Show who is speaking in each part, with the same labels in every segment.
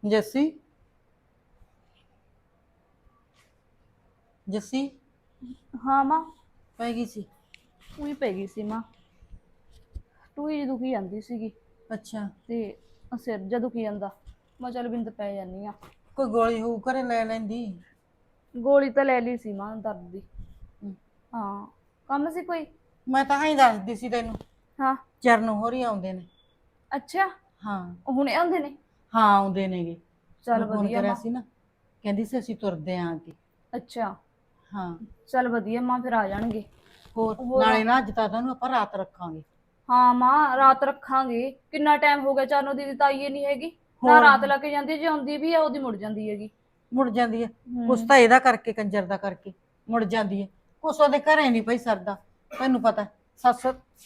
Speaker 1: ਜੱਸੀ ਜੱਸੀ
Speaker 2: ਹਾਂ ਮਾਂ।
Speaker 1: ਪੈ ਗਈ ਸੀ।
Speaker 2: ਉਹੀ ਪੈ ਗਈ ਸੀ ਮਾਂ। ਟੂਈ ਜਿਹੀ ਦੁਖੀ ਜਾਂਦੀ ਸੀਗੀ
Speaker 1: ਅੱਛਾ,
Speaker 2: ਤੇ ਸਿਰ ਜਿਹਾ ਦੁਖੀ ਜਾਂਦਾ। ਮੈਂ ਚੱਲ ਬਿੰਦ ਪੈ ਜਾਂਦੀ ਆ।
Speaker 1: ਕੋਈ ਗੋਲੀ ਹੋਊ ਘਰੇ ਲੈ ਲੈਂਦੀ।
Speaker 2: ਗੋਲੀ ਤਾਂ ਲੈ ਲਈ ਸੀ ਮਾਂ ਦਰਦ ਦੀ।
Speaker 1: ਹਮ,
Speaker 2: ਹਾਂ, ਕੰਮ ਸੀ ਕੋਈ?
Speaker 1: ਮੈਂ ਤਾਂ ਹੀ ਦੱਸਦੀ ਸੀ ਤੈਨੂੰ।
Speaker 2: ਹਾਂ।
Speaker 1: ਚਰਨ ਹੋਰੀ ਆਉਂਦੇ ਨੇ।
Speaker 2: ਅੱਛਾ,
Speaker 1: ਹਾਂ
Speaker 2: ਉਹ ਹੁਣੇ ਆਉਂਦੇ ਨੇ?
Speaker 1: ਹਾਂ ਆਉਂਦੇ ਨੇਗੇ।
Speaker 2: ਚੱਲ
Speaker 1: ਮੈਂ ਫੋਨ
Speaker 2: ਵਧੀਆ
Speaker 1: ਕਰਿਆ
Speaker 2: ਮਾਂ।
Speaker 1: ਸੀ ਨਾ, ਕਹਿੰਦੀ ਸੀ ਅਸੀਂ ਤੁਰਦੇ ਆਂ ਕਿ।
Speaker 2: ਅੱਛਾ,
Speaker 1: ਹਾਂ
Speaker 2: ਚੱਲ ਵਧੀਆ ਮਾਂ, ਫਿਰ ਆ ਜਾਣਗੇ।
Speaker 1: ਹੋਰ
Speaker 2: ਹੋਰ?
Speaker 1: ਨਾਲੇ ਨਾ ਅੱਜ ਤਾਂ ਤੁਹਾਨੂੰ ਆਪਾਂ ਰਾਤ ਰੱਖਾਂਗੇ।
Speaker 2: ਹਾਂ ਮਾਂ, ਰਾਤ ਰੱਖਾਂਗੇ। ਕਿੰਨਾ ਟਾਈਮ ਹੋ ਗਿਆ ਚਾਨੋ ਦੀਦੀ ਤਾਂ ਆਈ ਨਹੀਂ ਹੈਗੀ। ਨਾ
Speaker 1: ਹੋਰ
Speaker 2: ਰਾਤ ਲਾ ਕੇ ਜਾਂਦੀ, ਜੇ ਆਉਂਦੀ ਵੀ ਆ ਉਹਦੀ ਮੁੜ ਜਾਂਦੀ ਹੈਗੀ।
Speaker 1: ਮੁੜ ਜਾਂਦੀ ਹੈ। ਕੁਛ
Speaker 2: ਹੂੰ।
Speaker 1: ਤਾਂ ਇਹਦਾ ਕਰਕੇ, ਕੰਜਰ ਦਾ ਕਰਕੇ ਮੁੜ ਜਾਂਦੀ ਹੈ। ਕੁਛ ਉਹਦੇ ਘਰੇ ਨਹੀਂ ਪਈ ਸਰਦਾ, ਤੈਨੂੰ ਪਤਾ ਸੱਸ।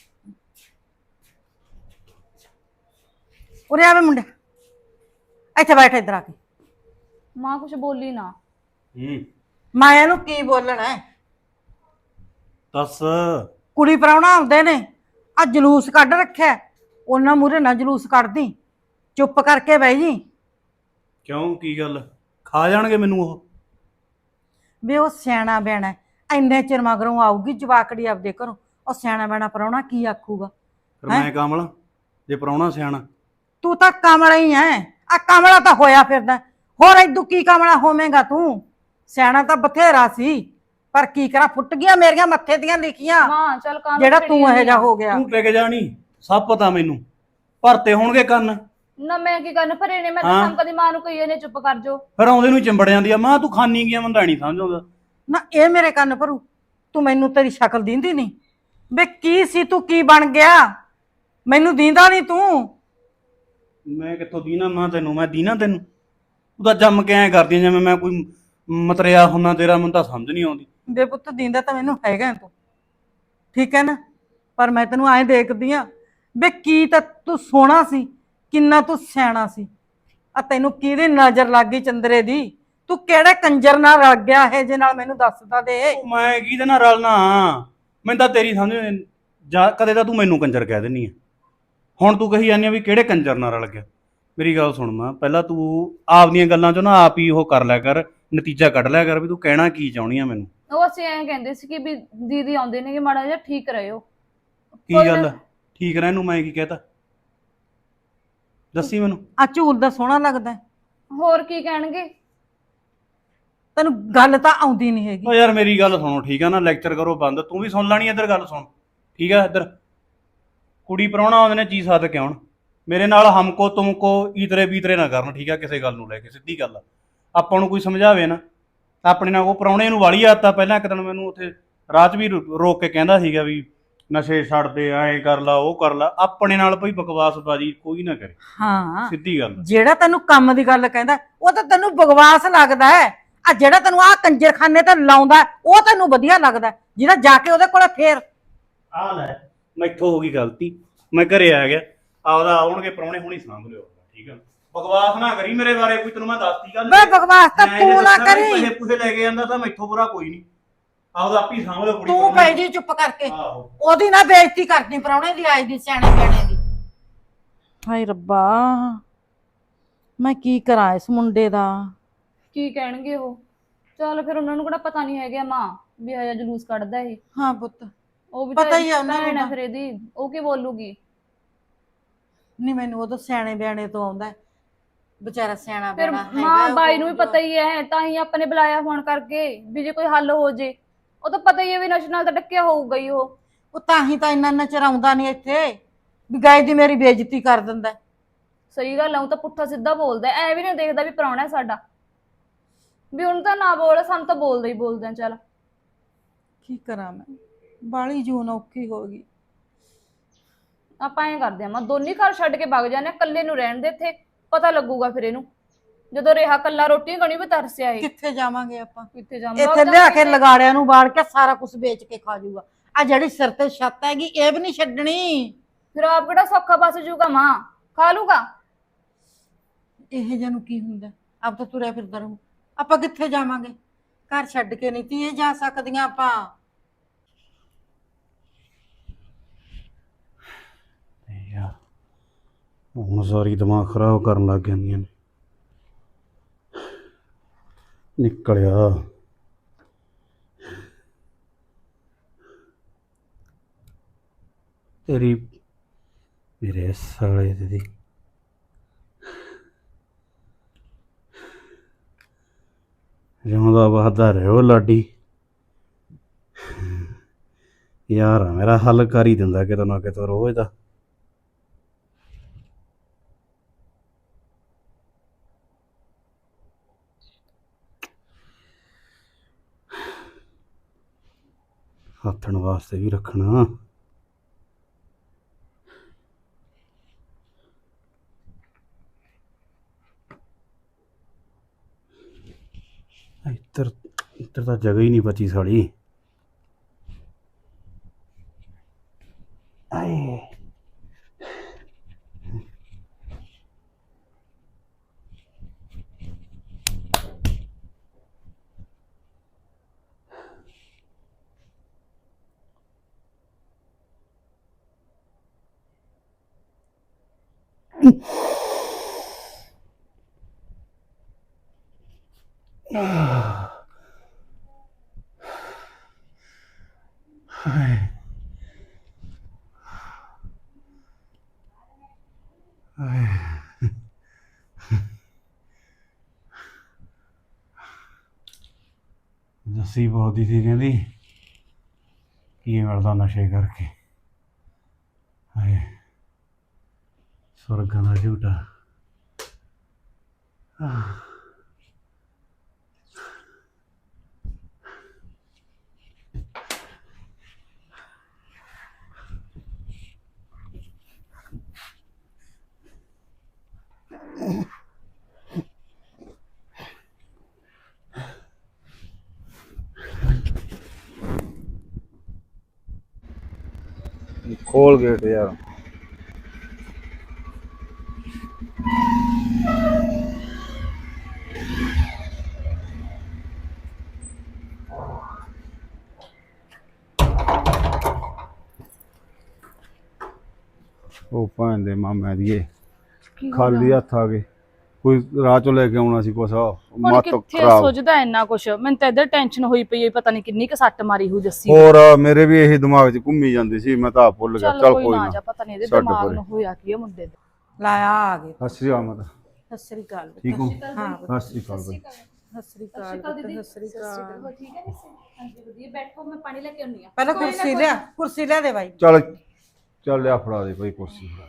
Speaker 1: ਉਰੇ ਆਵੇ ਮੁੰਡੇ, ਇੱਥੇ ਬੈਠ ਇੱਧਰ ਆ ਕੇ।
Speaker 2: ਮਾਂ ਕੁਛ ਬੋਲੀ ਨਾ।
Speaker 1: ਮਾਇਆ ਨੂੰ ਕੀ ਬੋਲਣਾ ਹੈ?
Speaker 3: ਦੱਸ।
Speaker 1: ਕੁੜੀ ਪ੍ਰਾਹੁਣਾ ਆਉਂਦੇ ਨੇ, ਆ ਜਲੂਸ ਕੱਢ ਰੱਖਿਆ। ਉਹਨਾਂ ਮੂਹਰੇ ਨਾ ਜਲੂਸ ਕੱਢਦੀ, ਚੁੱਪ ਕਰਕੇ ਬਹਿ ਜੀ।
Speaker 3: ਕਿਉਂ, ਕੀ ਗੱਲ? ਖਾ ਜਾਣਗੇ ਮੈਨੂੰ ਉਹ?
Speaker 1: ਵੀ ਉਹ ਸਿਆਣਾ ਬਿਆਣਾ ਇੰਨੇ ਚਿਰ ਮਗਰੋਂ ਆਊਗੀ ਜਵਾਕੜੀ ਆਪਦੇ ਘਰੋਂ। ਉਹ ਸਿਆਣਾ ਬਿਆਣਾ ਪ੍ਰਾਹੁਣਾ ਕੀ ਆਖੂਗਾ?
Speaker 3: ਫਿਰ
Speaker 1: ਹੈਂ?
Speaker 3: ਮੈਂ ਕਮਲਾ ਜੇ ਪ੍ਰਾਹੁਣਾ ਸਿਆਣਾ?
Speaker 1: ਤੂੰ ਤਾਂ ਕਮਲਾ ਹੀ ਐ। ਆ ਕਮਲਾ ਤਾਂ ਹੋਇਆ ਫਿਰਦਾ, ਹੋਰ ਏਦੂ ਕੀ ਕਮਲਾ ਹੋਵੇਂਗਾ ਤੂੰ? ਸਿਆਣਾ ਤਾਂ ਬਥੇਰਾ ਸੀ, ਪਰ ਕੀ ਕਰਾਂ, ਫੁੱਟ ਗਈਆਂ ਮੇਰੀਆਂ ਮੱਥੇ ਦੀਆਂ ਲਿਖੀਆਂ।
Speaker 2: ਮਾਂ ਚੱਲ ਕੰਮ
Speaker 1: ਜਿਹੜਾ ਤੂੰ ਇਹੋ ਜਿਹਾ ਹੋ ਗਿਆ।
Speaker 3: ਤੂੰ ਟਿਕ ਜਾਣੀ, ਸਭ ਪਤਾ ਮੈਨੂੰ। ਭਰਤੇ ਹੋਣਗੇ ਕੰਨ।
Speaker 2: ਨਾ ਮੈਂ ਕੀ ਕਰਨ ਭਰੇ ਨੇ? ਮੈਂ ਤਾਂ
Speaker 3: ਹਾਂ।
Speaker 2: ਕੰਮ ਕਦੀ ਮਾਂ ਨੂੰ ਕਹੀ ਇਹਨੇ ਚੁੱਪ ਕਰ ਜੋ।
Speaker 3: ਫਿਰ ਆਉਂਦੇ ਨੂੰ ਹੀ ਚਿੰਬੜ ਜਾਂਦੀ ਆ। ਮਾਂ ਤੂੰ ਖਾਨੀ ਗਿਆ, ਮੈਨੂੰ ਤਾਂ ਨਹੀਂ ਸਮਝ ਆਉਂਦਾ।
Speaker 1: ਨਾ ਇਹ ਮੇਰੇ ਕੰਨ ਭਰੂ, ਤੂੰ ਮੈਨੂੰ ਤੇਰੀ ਸ਼ਕਲ ਦੀਂਦੀ ਨਹੀਂ। ਵੇ ਕੀ ਸੀ ਤੂੰ, ਕੀ ਬਣ ਗਿਆ? ਮੈਨੂੰ ਦੀਂਦਾ ਨਹੀਂ ਤੂੰ।
Speaker 3: ਮੈਂ ਕਿੱਥੋਂ ਦੀਨਾ ਮਾਂ ਤੈਨੂੰ? ਮੈਂ ਦੀਨਾ ਤੈਨੂੰ? ਤੂੰ ਤਾਂ ਜੰਮ ਕੇ ਐਂ ਕਰਦੀ ਜਿਵੇਂ ਮੈਂ ਕੋਈ ਮਤਰਿਆ ਹੁੰਨਾ ਤੇਰਾ। ਮੈਨੂੰ ਤਾਂ ਸਮਝ ਨਹੀਂ ਆਉਂਦੀ।
Speaker 1: ਬੇ ਪੁੱਤ ਦੀਂਦਾ ਤਾਂ ਮੈਨੂੰ ਹੈਗਾ ਤੂੰ, ਠੀਕ ਹੈ ਨਾ, ਪਰ ਮੈਂ ਤੈਨੂੰ ਐਂ ਦੇਖਦੀ ਆ ਵੇ ਕੀ ਤਾਂ ਤੂੰ ਸੋਹਣਾ ਸੀ, ਕਿੰਨਾ ਤੂੰ ਸਿਆਣਾ ਸੀ। ਆ ਤੈਨੂੰ ਕਿਹਦੀ ਨਜ਼ਰ ਲੱਗ ਗਈ ਚੰਦਰੇ ਦੀ? ਤੂੰ ਕਿਹੜੇ ਕੰਜਰ ਨਾਲ ਰਲ ਗਿਆ ਇਹ ਜੇ ਨਾਲ, ਮੈਨੂੰ ਦੱਸਦਾ ਦੇ।
Speaker 3: ਉਹ ਮੈਂ ਕਿਹਦੇ ਨਾਲ ਰਲਣਾ? ਮੈਨੂੰ ਤਾਂ ਤੇਰੀ ਸਮਝ ਜਾ। ਕਦੇ ਤਾਂ ਤੂੰ ਮੈਨੂੰ ਕੰਜਰ ਕਹਿ ਦਿੰਦੀ ਆ, ਹੁਣ ਤੂੰ ਕਹੀ ਜਾਂਦੀ ਆ ਵੀ ਕਿਹੜੇ ਕੰਜਰ ਨਾਲ ਰਲ ਗਿਆ। ਮੇਰੀ ਗੱਲ ਸੁਣ ਮਾਂ, ਪਹਿਲਾਂ ਤੂੰ ਆਪਦੀਆਂ ਗੱਲਾਂ ਚੋਂ ਨਾ ਆਪ ਹੀ ਉਹ ਕਰ ਲਿਆ ਕਰ, ਨਤੀਜਾ ਕੱਢ ਲਿਆ ਕਰ ਵੀ ਤੂੰ ਕਹਿਣਾ ਕੀ ਚਾਹੁੰਦੀ ਆ ਮੈਨੂੰ।
Speaker 2: ਉਹ ਅਸੀਂ ਐਂ ਕਹਿੰਦੇ ਸੀ ਕਿ ਵੀ ਦੀਦੀ ਆਉਂਦੇ ਨੇ ਕਿ ਮਾੜਾ ਜਿਹਾ ਠੀਕ ਰਹਿਓ।
Speaker 3: ਕੀ
Speaker 2: ਕੋਈ
Speaker 3: ਗੱਲ
Speaker 2: ਨਾ।
Speaker 3: ਆ? ਠੀਕ ਰਹਿਣ ਨੂੰ ਮੈਂ ਕੀ ਕਹਿਤਾ? ਦੱਸੀ ਮੈਨੂੰ।
Speaker 1: ਆ ਝੂਲ ਦਾ ਸੋਹਣਾ ਲੱਗਦਾ,
Speaker 2: ਹੋਰ ਕੀ ਕਹਿਣਗੇ?
Speaker 1: ਤੈਨੂੰ ਗੱਲ ਤਾਂ ਆਉਂਦੀ ਨਹੀਂ ਹੈਗੀ।
Speaker 3: ਓ ਯਾਰ ਮੇਰੀ ਗੱਲ ਸੁਣੋ, ਠੀਕ ਆ ਨਾ? ਲੈਕਚਰ ਕਰੋ ਬੰਦ। ਤੂੰ ਵੀ ਸੁਣ ਲੈਣੀ ਇੱਧਰ ਗੱਲ ਸੁਣ, ਠੀਕ ਆ? ਇੱਧਰ ਕੁੜੀ ਪ੍ਰਾਹੁਣਾ ਆਉਂਦੇ ਨੇ, ਚੀਜ਼ ਸਾਧ ਕੇ ਆਉਣ। ਮੇਰੇ ਨਾਲ ਹਮਕੋ ਤੁਮਕੋ ਈਤਰੇ ਬੀਤਰੇ ਨਾ ਕਰਨ, ਠੀਕ ਆ? ਕਿਸੇ ਗੱਲ ਨੂੰ ਲੈ ਕੇ ਸਿੱਧੀ ਗੱਲ ਆ। ਆਪਾਂ ਨੂੰ ਕੋਈ ਸਮਝਾਵੇ ਨਾ, ਆਪਣੇ ਨਾਲ ਉਹ ਪ੍ਰਾਹੁਣੇ ਨੂੰ ਵਾਲੀ ਆਦਤ ਆ। ਪਹਿਲਾਂ ਇੱਕ ਦਿਨ ਮੈਨੂੰ ਉੱਥੇ ਰਾਹ 'ਚ ਵੀ ਰੋਕ ਕੇ ਕਹਿੰਦਾ ਸੀਗਾ ਵੀ ਨਸ਼ੇ ਛੱਡ ਦੇ, ਐਂ ਕਰ ਲਾ, ਉਹ ਕਰ ਲਾ। ਆਪਣੇ ਨਾਲ ਭਈ ਬਕਵਾਸਬਾਜ਼ੀ ਕੋਈ ਨਾ ਕਰੇ,
Speaker 1: ਹਾਂ,
Speaker 3: ਸਿੱਧੀ ਗੱਲ।
Speaker 1: ਜਿਹੜਾ ਤੈਨੂੰ ਕੰਮ ਦੀ ਗੱਲ ਕਹਿੰਦਾ ਉਹ ਤਾਂ ਤੈਨੂੰ ਬਕਵਾਸ ਲੱਗਦਾ ਹੈ। ਆ ਜਿਹੜਾ ਤੈਨੂੰ ਆ ਕੰਜਰਖਾਨੇ ਤੇ ਲਾਉਂਦਾ ਉਹ ਤੈਨੂੰ ਵਧੀਆ ਲੱਗਦਾ, ਜਿਹਦਾ ਜਾ ਕੇ ਉਹਦੇ ਕੋਲੇ ਫੇਰ।
Speaker 3: ਆ ਲੈ, ਮੈਥੋਂ ਹੋ ਗਈ ਗਲਤੀ, ਮੈਂ ਘਰੇ ਆ ਗਿਆ। ਆਪਦਾ ਆਉਣਗੇ ਪ੍ਰਾਹੁਣੇ, ਹੁਣੀ ਸਾਂਭ ਲਿਓ, ਠੀਕ ਆ? ਬਕਵਾਸ ਨਾ ਕਰੀ ਮੇਰੇ ਬਾਰੇ ਕੋਈ, ਤੈਨੂੰ ਮੈਂ ਦੱਸਤੀ ਗੱਲ।
Speaker 1: ਵੇ ਬਕਵਾਸ ਤਾਂ
Speaker 3: ਮੈਂ
Speaker 1: ਤੂੰ
Speaker 3: ਜੇ
Speaker 1: ਨਾ
Speaker 3: ਦੱਸਾਂ ਵੀ
Speaker 1: ਕਰੀ।
Speaker 3: ਪੈਸੇ ਪੂਸੇ ਲੈ ਕੇ ਜਾਂਦਾ ਤਾਂ ਮੈਥੋਂ ਬੁਰਾ ਕੋਈ ਨਹੀਂ। ਆਪਦਾ ਆਪੀ ਸਾਂਭ ਲਿਓ ਕੁੜੀ
Speaker 1: ਤੂੰ
Speaker 3: ਪ੍ਰਾਹੁਣੇ।
Speaker 1: ਪੈ ਜੀ ਚੁੱਪ ਕਰਕੇ,
Speaker 3: ਆਹੋ।
Speaker 1: ਉਹਦੀ ਨਾ ਬੇਇੱਜ਼ਤੀ ਕਰਨੀ ਪ੍ਰਾਹੁਣੇ ਦੀ, ਆਈ ਦੀ, ਸਿਆਣੇ ਬਿਆਣੇ ਦੀ। ਹਾਏ ਰੱਬਾ, ਮੈਂ ਕੀ ਕਰਾਂ ਇਸ ਮੁੰਡੇ ਦਾ?
Speaker 2: ਕੀ ਕਹਿਣਗੇ ਉਹ? ਚੱਲ ਫਿਰ ਉਹਨਾਂ ਨੂੰ ਕਿਹੜਾ ਪਤਾ ਨਹੀਂ ਹੈਗਾ ਮਾਂ ਵੀ ਆਇਆ ਜਲੂਸ ਕੱਢਦਾ ਇਹ।
Speaker 1: ਹਾਂ ਪੁੱਤ,
Speaker 2: ਉਹ ਵੀ
Speaker 1: ਪਤਾ ਹੀ ਆ ਉਹਨਾਂ ਨੂੰ
Speaker 2: ਭੈਣ ਆ
Speaker 1: ਤਾਂ।
Speaker 2: ਫਿਰ ਇਹਦੀ, ਉਹ ਕੀ ਬੋਲੂਗੀ?
Speaker 1: ਨਹੀਂ ਮੈਨੂੰ ਉਹ ਤਾਂ ਸਿਆਣੇ ਬਿਆਣੇ ਤੋਂ ਆਉਂਦਾ, ਵਿਚਾਰਾ ਸਿਆਣਾ
Speaker 2: ਫਿਰ
Speaker 1: ਬਿਆਣਾ
Speaker 2: ਮਾਂ
Speaker 1: ਹੈਗਾ।
Speaker 2: ਬਾਈ ਨੂੰ ਵੀ ਪਤਾ ਹੀ ਹੈ, ਤਾਂ ਹੀ ਆਪਾਂ ਨੇ ਬੁਲਾਇਆ ਫੋਨ ਕਰਕੇ ਵੀ ਜੇ ਕੋਈ ਹੱਲ ਹੋ ਜੇ। ਉਹ ਤਾਂ ਪਤਾ ਹੀ ਹੈ ਵੀ ਨਸ਼ੇ ਨਾਲ ਤਾਂ ਡੱਕਿਆ ਹੋਊਗਾ ਹੀ ਉਹ।
Speaker 1: ਉਹ ਤਾਂ ਹੀ ਤਾਂ ਇੰਨਾ ਨਚਰ ਆਉਂਦਾ ਨਹੀਂ ਇੱਥੇ, ਵੀ ਗਾਇ ਦੀ ਮੇਰੀ ਬੇਇੱਜ਼ਤੀ ਕਰ ਦਿੰਦਾ।
Speaker 2: ਸਹੀ ਗੱਲ ਆ, ਉਹ ਤਾਂ ਪੁੱਠਾ ਸਿੱਧਾ ਬੋਲਦਾ, ਐ ਵੀ ਨਹੀਂ ਦੇਖਦਾ ਵੀ ਪ੍ਰਾਹੁਣਾ ਹੈ ਸਾਡਾ। ਵੀ ਉਹਨੂੰ ਤਾਂ ਨਾ ਬੋਲ, ਸਾਨੂੰ ਤਾਂ ਬੋਲਦਾ ਹੀ ਬੋਲਦਾ। ਚੱਲ
Speaker 1: ਕੀ ਕਰਾਂ ਮੈਂ, ਬਾਲੀ ਜੂਨ ਔਖੀ ਹੋ ਗਈ।
Speaker 2: ਆਪਾਂ ਐਂ ਕਰਦੇ ਆ ਮਾਂ, ਦੋਨੀ ਘਰ ਛੱਡ ਕੇ ਵਗ ਜਾਂਦੇ ਆ, ਇਕੱਲੇ ਨੂੰ ਰਹਿਣ ਦੇ ਇੱਥੇ, ਪਤਾ ਲੱਗੂਗਾ ਫਿਰ ਇਹਨੂੰ। ਜਦੋਂ ਰਿਹਾ ਕੱਲਾ ਰੋਟੀ ਕਣੀ ਵੀ ਤਰਸਿਆ ਇਹ।
Speaker 1: ਕਿੱਥੇ ਜਾਵਾਂਗੇ ਆਪਾਂ?
Speaker 2: ਕਿੱਥੇ ਜਾਵਾਂਗੇ?
Speaker 1: ਇੱਥੇ ਲਿਆ ਕੇ ਲਗਾੜਿਆਂ ਨੂੰ ਬਾੜ ਕੇ ਸਾਰਾ ਕੁਝ ਵੇਚ ਕੇ ਖਾ ਜੂਗਾ। ਆ ਜਿਹੜੀ ਸਿਰ ਤੇ ਛੱਤ ਹੈਗੀ ਇਹ ਵੀ ਨਹੀਂ ਛੱਡਣੀ।
Speaker 2: ਫਿਰ ਆਪ ਕਿਹੜਾ ਸੌਖਾ ਬਸ ਜੂਗਾ ਮਾਂ, ਖਾ ਲੂਗਾ।
Speaker 1: ਇਹ ਜਿਹਾ ਨੂੰ ਕੀ ਹੁੰਦਾ, ਆਪ ਤਾਂ ਤੁਰਿਆ ਫਿਰਦਾ ਰਹੂ। ਆਪਾਂ ਕਿੱਥੇ ਜਾਵਾਂਗੇ? ਘਰ ਛੱਡ ਕੇ ਨਹੀਂ ਧੀਏ ਜਾ ਸਕਦੀਆਂ ਆਪਾਂ।
Speaker 3: ਯਾਰ ਹੁਣ ਸਾਰੀ ਦਿਮਾਗ ਖਰਾਬ ਕਰਨ ਲੱਗ ਜਾਂਦੀਆਂ ਨੇ। ਨਿਕਲਿਆ। ਤੇਰੀ ਮੇਰੇ ਸਾਲੇ ਦੀ ਜਿਉਂਦਾ ਵਸਦਾ ਰਹਿਓ ਲਾਡੀ। ਯਾਰ ਆ ਮੇਰਾ ਹੱਲ ਕਰ ਹੀ ਦਿੰਦਾ ਕਿਤੇ ਨਾ ਕਿਤੇ ਰੋਜ਼ ਦਾ। ਹੱਥਣ ਵਾਸਤੇ ਵੀ ਰੱਖਣਾ। ਇੱਧਰ ਇੱਧਰ ਤਾਂ ਜਗ੍ਹਾ ਹੀ ਨਹੀਂ ਬਚੀ ਸਾਲੀ। ਆਏ ਜੱਸੀ ਬੋਲਦੀ ਸੀ, ਕਹਿੰਦੀ ਕੀ ਮਿਲਦਾ ਨਸ਼ੇ ਕਰਕੇ। ਹਾਏ ਸਵਰਗਾਂ ਦਾ ਝੂਟਾ। खोल गेट यार। ਉਹ ਭਾਂ ਦੇ ਮਾਮਾ ਦੀਏ ਖਾਲੀ ਹੱਥ ਆ ਗਏ। ਕੋਈ ਰਾਹ ਚੋਂ ਲੈ ਕੇ ਆਉਣਾ ਸੀ ਕੁਛ।
Speaker 2: ਹੁਣ
Speaker 3: ਮੱਤ
Speaker 2: ਕਿੱਥੇ
Speaker 3: ਖਰਾਬ।
Speaker 2: ਸੋਚਦਾ ਇੰਨਾ ਕੁਛ। ਮੈਨੂੰ ਤਾਂ ਇੱਧਰ ਟੈਨਸ਼ਨ ਹੋਈ ਪਈ ਹੈ, ਪਤਾ ਨਹੀਂ ਕਿੰਨੀ ਕੁ ਸੱਟ ਮਾਰੀ ਹੋ ਜੱਸੀ।
Speaker 3: ਹੋਰ ਮੇਰੇ ਵੀ ਇਹੀ ਦਿਮਾਗ 'ਚ ਘੁੰਮੀ ਜਾਂਦੀ ਸੀ, ਮੈਂ ਤਾਂ ਆਪ ਭੁੱਲ ਗਿਆ। ਚੱਲ ਕੋਈ ਨਾ,
Speaker 2: ਪਤਾ ਨਹੀਂ ਇਹਦੇ
Speaker 3: ਛੱਡ
Speaker 2: ਦਿਮਾਗ
Speaker 3: ਪਰੇ।
Speaker 2: ਨੂੰ ਹੋਇਆ ਕੀ ਹੈ ਮੁੰਡੇ ਦੇ।
Speaker 1: ਲਾਇਆ ਆ ਗਏ।
Speaker 3: ਸਤਿ ਸ਼੍ਰੀ ਅਕਾਲ ਮਾਤਾ।
Speaker 1: ਸਤਿ ਸ੍ਰੀ ਅਕਾਲ।
Speaker 3: ਠੀਕ ਹੋ?
Speaker 1: ਹਾਂ
Speaker 3: ਸਤਿ ਸ਼੍ਰੀ ਅਕਾਲ ਬਾਈ।
Speaker 1: ਸਤਿ ਸ੍ਰੀ ਅਕਾਲ ਸਤਿ ਸ੍ਰੀ ਅਕਾਲ।
Speaker 2: ਠੀਕ ਹੈ ਹਾਂਜੀ ਵਧੀਆ। ਬੈਠੋ, ਮੈਂ ਪਾਣੀ ਲੈ ਕੇ ਆਉਣੀ ਆ।
Speaker 1: ਪਹਿਲਾਂ ਕੁਰਸੀ ਲਿਆ ਦੇ ਬਾਈ।
Speaker 3: ਚੱਲ ਚੱਲ ਲਿਆ ਫੜਾ ਦੇ ਭਾਈ ਕੁਰਸੀ ਫੜਾ ਦੇ।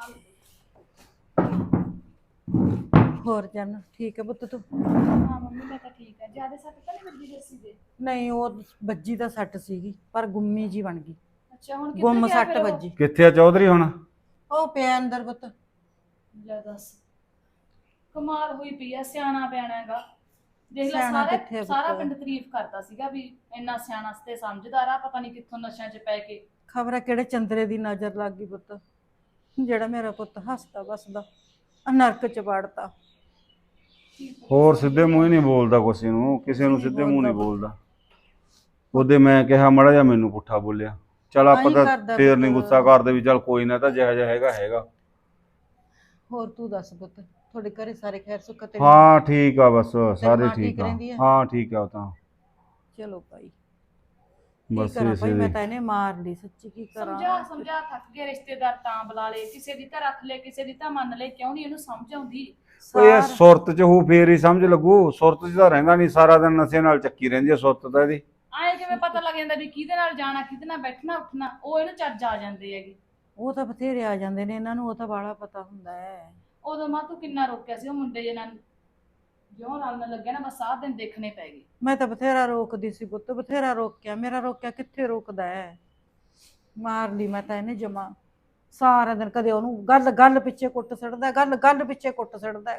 Speaker 1: ਹੋਰ ਜਨ ਠੀਕ ਹੈ ਪੁੱਤ ਤੂੰ?
Speaker 2: ਹਾਂ ਮੰਮੀ ਮੈਂ ਤਾਂ ਠੀਕ ਹੈ। ਜਿਆਦਾ ਸੱਟ ਤਾਂ ਨਹੀਂ ਵੱਜੀ ਜੱਸੀ ਦੇ?
Speaker 1: ਨਹੀਂ ਉਹ ਵੱਜੀ ਤਾਂ ਸੱਟ ਸੀਗੀ ਪਰ ਗੁੰਮੀ ਜੀ ਬਣ ਗਈ।
Speaker 2: ਅੱਛਾ ਹੁਣ
Speaker 1: ਗੁੰਮ ਸੱਟ ਵੱਜੀ।
Speaker 3: ਕਿੱਥੇ ਆ ਚੌਧਰੀ ਹੁਣ?
Speaker 1: ਉਹ ਪਿਆ ਅੰਦਰ ਪੁੱਤ।
Speaker 2: ਲੈ ਦੱਸ, ਕਮਾਲ ਹੋਈ ਪਈ ਆ। ਸਿਆਣਾ ਪਿਆਣਾ ਹੈਗਾ। ਦੇਖ ਲੈ,
Speaker 1: ਸਿਆਣਾ ਕਿੱਥੇ ਆ
Speaker 2: ਸਾਰਾ
Speaker 1: ਪੁੱਤ?
Speaker 2: ਪਿੰਡ ਤਾਰੀਫ ਕਰਦਾ ਸੀਗਾ ਵੀ ਇੰਨਾ ਸਿਆਣਾ ਤੇ ਸਮਝਦਾਰ ਆ। ਪਤਾ ਨਹੀਂ ਕਿੱਥੋਂ ਨਸ਼ਿਆਂ 'ਚ ਪੈ ਕੇ।
Speaker 1: ਖਬਰ ਹੈ ਕਿਹੜੇ ਚੰਦਰੇ ਦੀ ਨਜ਼ਰ ਲੱਗ ਗਈ ਪੁੱਤ, ਜਿਹੜਾ ਮੇਰਾ ਪੁੱਤ ਹੱਸਦਾ ਵਸਦਾ ਨਰਕ ਚ ਵੜਤਾ।
Speaker 3: ਹੋਰ ਸਿੱਧੇ ਮੂੰਹ ਹੀ ਨਹੀਂ ਬੋਲਦਾ ਕਿਸੇ ਨੂੰ ਸਿੱਧੇ ਮੂੰਹ ਨਹੀਂ ਬੋਲਦਾ। ਉਹਦੇ ਮੈਂ ਕਿਹਾ ਮੜਾ ਜਾ ਮੈਨੂੰ ਪੁੱਠਾ ਬੋਲਿਆ। ਚੱਲ ਆਪਾਂ ਤਾਂ ਫੇਰ ਨਹੀਂ ਗੁੱਸਾ ਕਰਦੇ ਵੀ ਚੱਲ ਕੋਈ ਨਾ, ਤਾਂ ਜਿਹੋ ਜਿਹਾ ਹੈਗਾ।
Speaker 1: ਹੋਰ ਤੂੰ ਦੱਸ ਪੁੱਤ, ਤੁਹਾਡੇ ਘਰੇ ਸਾਰੇ ਖੈਰ ਸੁੱਖ ਤੇ?
Speaker 3: ਹਾਂ ਠੀਕ ਆ, ਬਸ ਸਾਰੇ
Speaker 1: ਮਾਂ
Speaker 3: ਠੀਕ
Speaker 1: ਠੀਕ
Speaker 3: ਆ।
Speaker 1: ਰਹਿੰਦੀ ਆ?
Speaker 3: ਹਾਂ ਠੀਕ ਆ ਉਹ ਤਾਂ।
Speaker 1: ਚਲੋ ਭਾਈ
Speaker 3: ਬਸ
Speaker 1: ਕੀ ਕਰਾਂ ਭਾਈ, ਮੈਂ
Speaker 3: ਇਸੇ
Speaker 1: ਤਾਂ ਇਹਨੇ ਮਾਰ ਲਈ ਸੱਚੀ। ਕੀ ਕਰਾਂ?
Speaker 2: ਸਮਝਾ ਥੱਕ ਗਏ। ਰਿਸ਼ਤੇਦਾਰ ਤਾਂ ਬੁਲਾ ਲਏ, ਕਿਸੇ ਦੀ ਤਾਂ ਰੱਖ ਲੈ, ਕਿਸੇ ਦੀ ਤਾਂ ਮੰਨ ਲੈ। ਕਿਉਂ ਨਹੀਂ ਇਹਨੂੰ ਸਮਝ ਆਉਂਦੀ?
Speaker 3: ਓਏ ਸੁਰਤ ਚ ਹੂ ਫੇਰ ਹੀ ਸਮਝ ਲੱਗੂ। ਸੁਰਤ ਚ ਤਾਂ ਰਹਿੰਦਾ ਨਹੀਂ, ਸਾਰਾ ਦਿਨ ਨਸ਼ੇ ਨਾਲ ਚੱਕੀ ਰਹਿੰਦੀ ਆ ਸੁਰਤ ਤਾਂ ਇਹਦੀ।
Speaker 2: ਆਏ ਕਿਵੇਂ ਪਤਾ ਲੱਗ ਜਾਂਦਾ ਵੀ ਕਿਹਦੇ ਨਾਲ ਜਾਣਾ, ਕਿਹਦੇ ਨਾਲ ਬੈਠਣਾ ਉੱਠਣਾ? ਉਹ ਇਹਨੂੰ ਚੱਜ ਆ ਜਾਂਦੇ ਹੈਗੇ।
Speaker 1: ਉਹ ਤਾਂ ਬਥੇਰੇ ਆ ਜਾਂਦੇ ਨੇ ਇਹਨਾਂ ਨੂੰ, ਉਹ ਤਾਂ ਬਾਹਲਾ ਪਤਾ ਹੁੰਦਾ ਹੈ।
Speaker 2: ਉਦੋਂ ਮਾਂ ਤੂੰ ਕਿੰਨਾ ਰੋਕਿਆ ਸੀ ਉਹ ਮੁੰਡੇ ਜੇ ਨਾਲ, ਜਿਉਂ ਰਲਣ ਲੱਗਿਆ ਨਾ ਬਸ ਆਹ ਦਿਨ ਦੇਖਣੇ ਪੈ ਗਏ।
Speaker 1: ਮੈਂ ਤਾਂ ਬਥੇਰਾ ਰੋਕਦੀ ਸੀ ਪੁੱਤ, ਬਥੇਰਾ ਰੋਕਿਆ। ਮੇਰਾ ਰੋਕਿਆ ਕਿੱਥੇ ਰੁਕਦਾ ਹੈ। ਮਾਰ ਲਈ ਮੈਂ ਤਾਂ ਇਹਨੇ ਜਮਾ। ਸਾਰਾ ਦਿਨ ਕਦੇ ਉਹਨੂੰ ਗੱਲ ਪਿੱਛੇ ਕੁੱਟ ਛੱਡਦਾ, ਗੱਲ ਪਿੱਛੇ ਕੁੱਟ ਛੱਡਦਾ।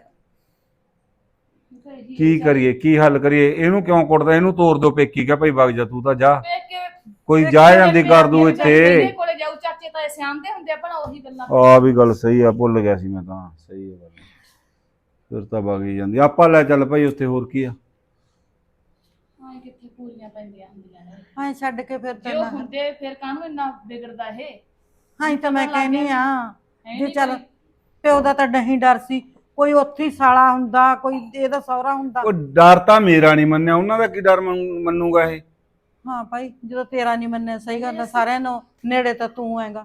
Speaker 3: ਕੀ ਕਰੀਏ, ਕੀ ਹੱਲ ਕਰੀਏ? ਇਹਨੂੰ ਕਿਉਂ ਕੁੱਟਦਾ? ਇਹਨੂੰ ਤੋੜ ਦਿਓ ਪੇਕੀ। ਕਹ ਭਾਈ ਵਗ ਜਾ ਤੂੰ ਤਾਂ ਜਾ, ਕੋਈ ਜਾ ਜਾਂਦੀ ਕਰ ਦੂ ਇੱਥੇ।
Speaker 2: ਕੋਲੇ ਜਾਊ ਚਾਚੇ ਤਾਏ ਸਿਆਣਦੇ ਹੁੰਦੇ ਆ ਭਲਾ ਉਹੀ ਗੱਲਾਂ।
Speaker 3: ਆ ਵੀ ਗੱਲ ਸਹੀ ਆ, ਭੁੱਲ ਗਿਆ ਸੀ ਮੈਂ ਤਾਂ। ਸਹੀ ਹੈ ਗੱਲ। ਫਿਰ ਤਾਂ ਵਗ ਹੀ ਜਾਂਦੀ। ਆਪਾਂ ਲੈ ਚੱਲ ਭਾਈ ਉੱਥੇ, ਹੋਰ ਕੀ ਆ।
Speaker 2: ਹਾਂ ਕਿੱਥੇ ਪੂਰੀਆਂ ਪੈਂਦੀਆਂ ਹੁੰਦੀਆਂ ਨੇ।
Speaker 1: ਹਾਂ ਛੱਡ ਕੇ ਫਿਰ
Speaker 2: ਜੇ ਉਹ ਹੁੰਦੇ ਫਿਰ ਕਾਹਨੂੰ ਇੰਨਾ ਵਿਗੜਦਾ ਇਹ?
Speaker 1: ਹਾਂ ਤਾਂ ਮੈਂ ਕਹਿਨੀ ਆ ਜੇ ਚੱਲ ਪਿਓ ਦਾ ਤਾਂ ਨਹੀਂ ਡਰ ਸੀ, ਕੋਈ ਉੱਥੇ ਹੀ ਸਾਲਾ ਹੁੰਦਾ, ਕੋਈ ਇਹਦਾ ਸਹੁਰਾ ਹੁੰਦਾ।
Speaker 4: ਉਹ ਡਰ ਤਾਂ ਮੇਰਾ ਨਹੀਂ ਮੰਨਿਆ, ਉਹਨਾਂ ਦਾ ਕੀ ਡਰ ਮੰਨੂਗਾ ਇਹ।
Speaker 1: ਹਾਂ ਭਾਈ, ਜਦੋਂ ਤੇਰਾ ਨਹੀਂ ਮੰਨਿਆ, ਸਹੀ ਗੱਲ ਹੈ, ਸਾਰਿਆਂ ਨੂੰ ਨੇੜੇ ਤਾਂ ਤੂੰ ਹੈਗਾ।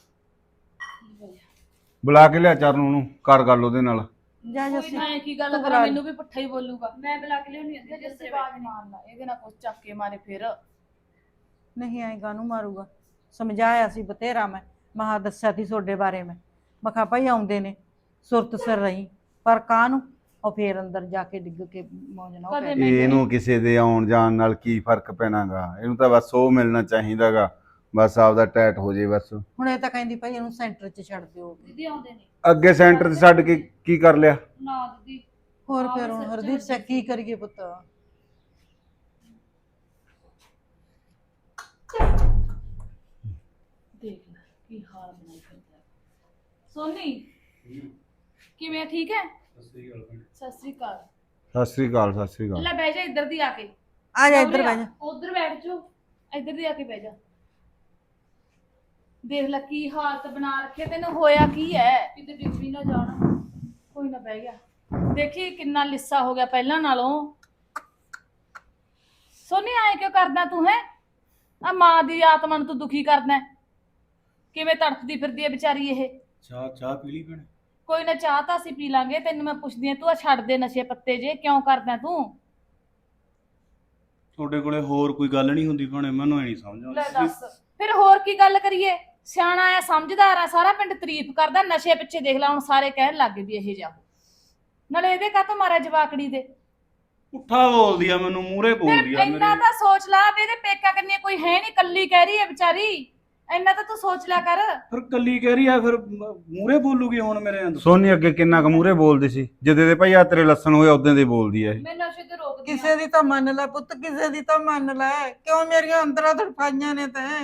Speaker 4: ਬੁਲਾ ਕੇ ਲਿਆ ਚਰਨ ਨੂੰ, ਕਰ ਗੱਲ ਉਹਦੇ ਨਾਲ।
Speaker 1: ਜਾ
Speaker 2: ਕੋਈ
Speaker 1: ਜੱਸੀ,
Speaker 2: ਨਾ ਇਹ ਕੀ ਗੱਲ
Speaker 1: ਤੂੰ
Speaker 2: ਕਰਾਂ,
Speaker 1: ਬੁਲਾ
Speaker 2: ਮੈਨੂੰ ਵੀ ਪੱਠਾ ਹੀ ਬੋਲੂਗਾ। ਮੈਂ ਬੁਲਾ ਕੇ ਲਿਆਉਣੀ ਹੁੰਦੀ ਜਿਸ ਤੇ ਬਾਜ ਮਾਰਨਾ, ਇਹਦੇ ਨਾਲ ਕੁਛ ਚੱਕ ਕੇ ਮਾਰੇ ਫਿਰ।
Speaker 1: ਨਹੀਂ ਆਏਗਾ ਨੂੰ ਮਾਰੂਗਾ। ਸਮਝਾਇਆ ਸੀ ਬਥੇਰਾ ਮੈਂ, ਮਹਾ ਦੱਸਿਆ ਸੀ ਤੁਹਾਡੇ ਬਾਰੇ ਮੈਂ ਕਿਹਾ ਭਾਈ ਆਉਂਦੇ ਨੇ ਸੁਰਤ ਸਿਰ ਰਹੀ, ਪਰ ਕਾਹਨੂੰ ਉਹ ਫੇਰ ਅੰਦਰ ਜਾ ਕੇ ਡਿੱਗ ਕੇ ਮੌਜ ਨਾ
Speaker 2: ਕਦੇ
Speaker 1: ਪੈ।
Speaker 4: ਇਹਨੂੰ ਕਿਸੇ ਦੇ ਆਉਣ ਜਾਣ ਨਾਲ ਕੀ ਫਰਕ ਪੈਣਾਗਾ, ਇਹਨੂੰ ਤਾਂ ਬਸ ਉਹ ਮਿਲਣਾ ਚਾਹੀਦਾਗਾ, ਬਸ ਆਪਦਾ ਟੈਟ ਹੋ ਜੇ ਬਸ।
Speaker 1: ਹੁਣ ਇਹ ਤਾਂ ਕਹਿੰਦੀ ਭਾਈ ਇਹਨੂੰ ਸੈਂਟਰ 'ਚ ਛੱਡ ਦਿਓ।
Speaker 2: ਦੀਦੀ ਆਉਂਦੇ ਨੇ
Speaker 4: ਅੱਗੇ ਸੈਂਟਰ 'ਚ ਛੱਡ ਕੇ ਕੀ ਕਰ ਲਿਆ?
Speaker 2: ਨਾ ਦੀਦੀ।
Speaker 1: ਹੋਰ ਫਿਰ ਹੁਣ ਹਰਦੀਪ ਸਿੰਘ ਕੀ ਕਰੀਏ ਪੁੱਤ?
Speaker 2: ਦੇਖ ਲੈ ਕੀ ਹਾਲ ਬਣਾਈ ਫਿਰਦਾ। ਸੋਨੀ ਕਿਵੇਂ ਠੀਕ ਹੈ? ਸਤਿ ਸ੍ਰੀ ਅਕਾਲ।
Speaker 4: ਸਤਿ ਸ੍ਰੀ ਅਕਾਲ, ਸਤਿ ਸ੍ਰੀ ਅਕਾਲ।
Speaker 2: ਲੈ ਬਹਿ ਜਾ ਇੱਧਰ ਦੀ ਆ ਕੇ।
Speaker 1: ਆ ਜਾ ਇੱਧਰ ਬਹਿ ਜਾ।
Speaker 2: ਉੱਧਰ ਬੈਠ ਜਾ, ਇੱਧਰ ਦੀ ਆ ਕੇ ਬਹਿ ਜਾ। ਦੇਖ ਲੈ ਕੀ ਹਾਲਤ ਬਣਾ ਰੱਖੇ, ਤੈਨੂੰ ਹੋਇਆ ਕੀ ਹੈ? ਕਿਤੇ ਡਿੱਗ ਵੀ ਨਾ ਜਾਣਾ। ਕੋਈ ਨਾ, ਬਹਿ ਗਿਆ। ਦੇਖੀ ਕਿੰਨਾ ਲਿੱਸਾ ਹੋ ਗਿਆ ਪਹਿਲਾਂ ਨਾਲੋਂ। ਸੋਨੀ ਆਏ ਕਿਉਂ ਕਰਦਾ ਤੂੰ ਹੈ? ਆ ਮਾਂ ਦੀ ਆਤਮਾ ਨੂੰ ਤੂੰ ਦੁਖੀ ਕਰਦਾ ਹੈ। ਕਿਵੇਂ ਤੜਫਦੀ ਫਿਰਦੀ ਹੈ ਵਿਚਾਰੀ ਇਹ।
Speaker 3: ਚਾਹ ਪੀ ਲਈ ਭੈਣੇ?
Speaker 2: ਕੋਈ ਨਾ, ਚਾਹ ਤਾਂ ਅਸੀਂ ਪੀ ਲਾਂਗੇ। ਤੈਨੂੰ ਮੈਂ ਪੁੱਛਦੀ ਆ, ਤੂੰ ਆ ਛੱਡ ਦੇ ਨਸ਼ੇ ਪੱਤੇ ਜੇ, ਕਿਉਂ ਕਰਦਾ ਤੂੰ?
Speaker 3: ਤੁਹਾਡੇ ਕੋਲੇ ਹੋਰ ਕੋਈ ਗੱਲ ਨਹੀਂ ਹੁੰਦੀ ਭੈਣੇ? ਮੈਨੂੰ ਇਹ ਨਹੀਂ ਸਮਝ
Speaker 2: ਲੈ
Speaker 3: ਆਉਂਦੀ।
Speaker 2: ਦੱਸ ਫਿਰ ਹੋਰ ਕੀ ਗੱਲ ਕਰੀਏ? ਸਿਆਣਾ ਆ, ਸਮਝਦਾਰ ਆ, ਸਾਰਾ ਪਿੰਡ ਤਾਰੀਫ ਕਰਦਾ। ਨਸ਼ੇ ਪਿੱਛੇ ਦੇਖ ਲੈ ਹੁਣ ਸਾਰੇ ਕਹਿਣ ਲੱਗ ਗਏ ਵੀ ਇਹ ਜਾ। ਨਾਲੇ ਇਹਦੇ ਕਾਹਤੋਂ ਮਾਰਿਆ ਜਵਾਕੜੀ ਦੇ?
Speaker 3: ਪੁੱਠਾ ਬੋਲਦੀ ਆ, ਮੈਨੂੰ ਮੂਹਰੇ ਬੋਲਦੀ
Speaker 2: ਫਿਰ
Speaker 3: ਆ
Speaker 2: ਇੰਨਾ
Speaker 3: ਮੇਰੇ।
Speaker 2: ਤਾਂ ਸੋਚ ਲਾ ਵੀ ਇਹਦੇ ਪੇਕਾ ਕੰਨੀ ਕੋਈ ਹੈ ਨਹੀਂ, ਕੱਲੀ ਕਹਿ ਰਹੀ ਹੈ ਵਿਚਾਰੀ। ਇੰਨਾ ਤਾਂ ਤੂੰ ਸੋਚ ਲਿਆ ਕਰ।
Speaker 3: ਫਿਰ ਕੱਲੀ ਕਹਿ ਰਹੀ ਆ, ਫਿਰ ਮੂਹਰੇ ਬੋਲੂਗੀ ਹੁਣ ਮੇਰੇ ਅੰਦਰ।
Speaker 4: ਸੋਨੀ ਅੱਗੇ ਕਿੰਨਾ ਕੁ ਮੂਹਰੇ ਬੋਲਦੀ ਸੀ, ਜਦੋਂ ਦੇ ਭਾਈ ਆ ਤੇਰੇ ਲੱਸਣ ਹੋਏ ਉਦੋਂ ਦੀ ਬੋਲਦੀ ਐ ਇਹ।
Speaker 2: ਮੈਂ ਨਸ਼ੇ ਤੇ ਰੋਕਦੀ ਆ।
Speaker 1: ਕਿਸੇ ਦੀ ਤਾਂ ਮੰਨ ਲੈ ਪੁੱਤ, ਕਿਸੇ ਦੀ ਤਾਂ ਮੰਨ ਲੈ। ਕਿਉਂ ਮੇਰੀਆਂ ਅੰਦਰਾਂ ਤੜਫਾਈਆਂ ਨੇ ਤੈਂ?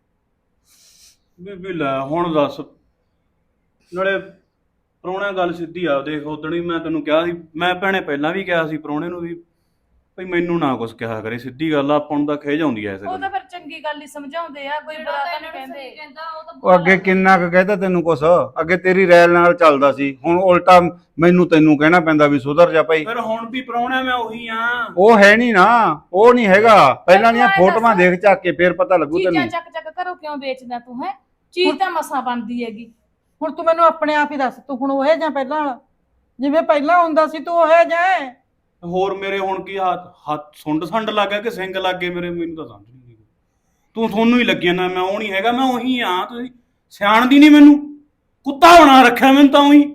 Speaker 3: ਬੀਬੀ ਲੈ ਹੁਣ ਦੱਸ। ਨਾਲੇ ਪ੍ਰਾਹੁਣਾ ਗੱਲ ਸਿੱਧੀ ਆ, ਦੇਖ ਉਦਣ ਵੀ ਮੈਂ ਤੈਨੂੰ ਕਿਹਾ ਸੀ, ਮੈਂ ਭੈਣੇ ਪਹਿਲਾਂ ਵੀ ਕਿਹਾ ਸੀ ਪ੍ਰਾਹੁਣੇ ਨੂੰ ਵੀ ਭਈ ਮੈਨੂੰ ਨਾ ਕੁਛ ਕਿਹਾ ਕਰੇ। ਸਿੱਧੀ ਗੱਲ ਆ, ਆਪਾਂ ਨੂੰ ਤਾਂ ਖਿਝ ਆਉਂਦੀ ਐ ਇਸ
Speaker 2: ਉਹ
Speaker 3: ਗੱਲ
Speaker 2: ਤਾਂ ਫਿਰ ਚੰਗੀ ਗੱਲ ਹੀ ਸਮਝਾਉਂਦੇ ਆ, ਕੋਈ ਬੁਰਾ ਤਾਂ ਨਹੀਂ ਕਹਿੰਦੇ।
Speaker 4: ਉਹ ਅੱਗੇ ਕਿੰਨਾ ਕੁ ਕਹਿਤਾ ਤੈਨੂੰ ਕੁਛ? ਅੱਗੇ ਤੇਰੀ ਰੈਲ ਨਾਲ ਚੱਲਦਾ ਸੀ, ਹੁਣ ਉਲਟਾ ਮੈਨੂੰ ਤੈਨੂੰ ਕਹਿਣਾ ਪੈਂਦਾ ਵੀ ਸੁਧਰ ਜਾ ਭਾਈ।
Speaker 3: ਫਿਰ ਹੁਣ ਵੀ ਪ੍ਰਾਹੁਣਾ ਮੈਂ ਉਹੀ ਆ।
Speaker 4: ਉਹ ਹੈ ਨਹੀਂ ਨਾ, ਉਹ ਨਹੀਂ ਹੈਗਾ। ਪਹਿਲਾਂ ਦੀਆਂ ਫੋਟੋਆਂ ਦੇਖ ਚੱਕ ਕੇ ਫੇਰ ਪਤਾ ਲੱਗੂ
Speaker 2: ਚੀਜ਼ਾਂ
Speaker 4: ਤੈਨੂੰ।
Speaker 2: ਚੱਕ ਚੱਕ ਕਰੋ ਕਿਉਂ ਵੇਚਦਾ ਤੂੰ ਹੈ? ਚੀਜ਼ ਤਾਂ ਮਸਾਂ ਬਣਦੀ ਹੈਗੀ।
Speaker 1: ਹੁਣ ਤੂੰ ਮੈਨੂੰ ਆਪਣੇ ਆਪ ਹੀ ਦੱਸ, ਤੂੰ ਹੁਣ ਉਹ ਜਾਂ ਪਹਿਲਾਂ ਵਾਲਾ? ਜਿਵੇਂ ਪਹਿਲਾਂ ਹੁੰਦਾ ਸੀ ਤੂੰ ਉਹ ਜਾਂ?
Speaker 3: ਹੋਰ ਮੇਰੇ ਹੁਣ ਕੀ ਹੱਥ ਸੁੰਡ ਸੰਡ ਲੱਗ ਗਿਆ ਕਿ ਸਿੰਗ ਲੱਗ ਗਏ ਮੇਰੇ? ਮੈਨੂੰ ਤਾਂ ਸਮਝ ਨਹੀਂ ਆਈ। ਤੁਹਾਨੂੰ ਹੀ ਲੱਗਿਆ ਨਾ ਮੈਂ ਉਹ ਨਹੀਂ ਹੈਗਾ, ਮੈਂ ਉਹੀ ਆ। ਤੁਸੀਂ ਸਿਆਣਦੀ ਨਹੀਂ ਮੈਨੂੰ, ਕੁੱਤਾ ਬਣਾ ਰੱਖਿਆ ਮੈਨੂੰ ਤਾਂ ਉਹੀ।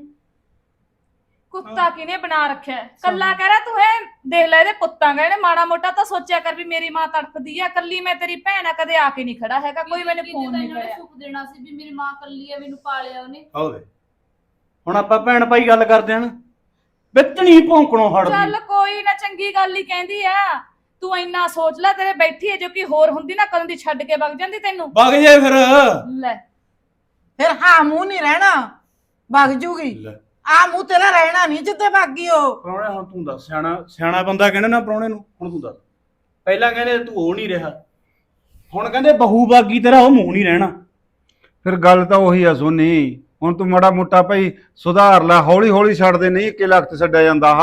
Speaker 2: ਕੁੱਤਾ ਕਿਨੇ ਬਣਾ ਰੱਖਿਆ? ਕੱਲਾ ਕਹਿ ਰਿਹਾ ਤੂੰ ਹੈ? ਦੇਖ ਲੈ ਇਹਦੇ ਪੁੱਤਾਂ ਗਏ ਨੇ, ਮਾੜਾ ਮੋਟਾ ਤਾਂ ਸੋਚਿਆ ਕਰ ਵੀ ਮੇਰੀ ਮਾਂ ਤੜਫਦੀ ਆ। ਕੱਲੀ ਮੈਂ ਤੇਰੀ ਭੈਣ ਆ, ਕਦੇ ਆ ਕੇ ਨਹੀਂ ਖੜਾ ਹੈਗਾ ਕੋਈ, ਮੈਨੂੰ ਫੋਨ ਨਹੀਂ ਕਰਿਆ।
Speaker 5: ਸੁੱਖ ਦੇਣਾ ਸੀ ਵੀ ਮੇਰੀ ਮਾਂ ਕੱਲੀ ਆ, ਮੈਨੂੰ ਪਾਲਿਆ ਉਹਨੇ।
Speaker 3: ਆਵੇ ਹੁਣ ਆਪਾਂ ਭੈਣ ਭਾਈ ਗੱਲ ਕਰਦੇ ਹਨ, ਵਿੱਚ ਨਹੀਂ ਭੌਂਕਣੋਂ ਹਟਦੀ।
Speaker 2: ਚੱਲ ਕੋਈ ਨਾ, ਚੰਗੀ ਗੱਲ ਹੀ ਕਹਿੰਦੀ ਆ। ਤੂੰ ਇੰਨਾ ਸੋਚ ਲੈ, ਤੇਰੇ ਬੈਠੀ ਹੈ ਜੋ ਕਿ ਹੋਰ ਹੁੰਦੀ ਨਾ ਕਦੋਂ ਦੀ ਛੱਡ ਕੇ ਵਗ ਜਾਂਦੀ ਤੈਨੂੰ।
Speaker 3: ਵਗ ਜੇ ਫਿਰ।
Speaker 2: ਲੈ
Speaker 1: ਫਿਰ ਹਾਂ ਮੂੰਹ ਨਹੀਂ ਰਹਿਣਾ, ਵਗ ਜੂਗੀ। ਆ ਮੂੰਹ ਤੇਰਾ ਰਹਿਣਾ ਨਹੀਂ ਜਿੱਤੇ ਬਾਗੀ ਉਹ।
Speaker 3: ਪ੍ਰਾਹੁਣੇ ਹੁਣ ਤੂੰ ਦੱਸ, ਸਿਆਣਾ ਬੰਦਾ ਕਹਿੰਦੇ ਨਾ ਪ੍ਰਾਹੁਣੇ ਨੂੰ। ਹੁਣ ਤੂੰ ਦੱਸ, ਪਹਿਲਾਂ ਕਹਿੰਦੇ ਤੂੰ ਉਹ ਨਹੀਂ ਰਿਹਾ, ਹੁਣ ਕਹਿੰਦੇ ਬਹੂ ਬਾਗੀ ਤੇਰਾ ਉਹ ਮੂੰਹ ਨਹੀਂ ਰਹਿਣਾ।
Speaker 4: ਫਿਰ ਗੱਲ ਤਾਂ ਉਹੀ ਆ ਸੋਨੀ। ਹੁਣ ਤੂੰ ਮਾੜਾ ਮੋਟਾ ਭਾਈ ਸੁਧਾਰ ਲੈ, ਹੌਲੀ ਹੌਲੀ ਛੱਡਦੇ ਨਹੀਂ, ਇੱਕੇ ਲਖਤ ਛੱਡਿਆ ਜਾਂਦਾ।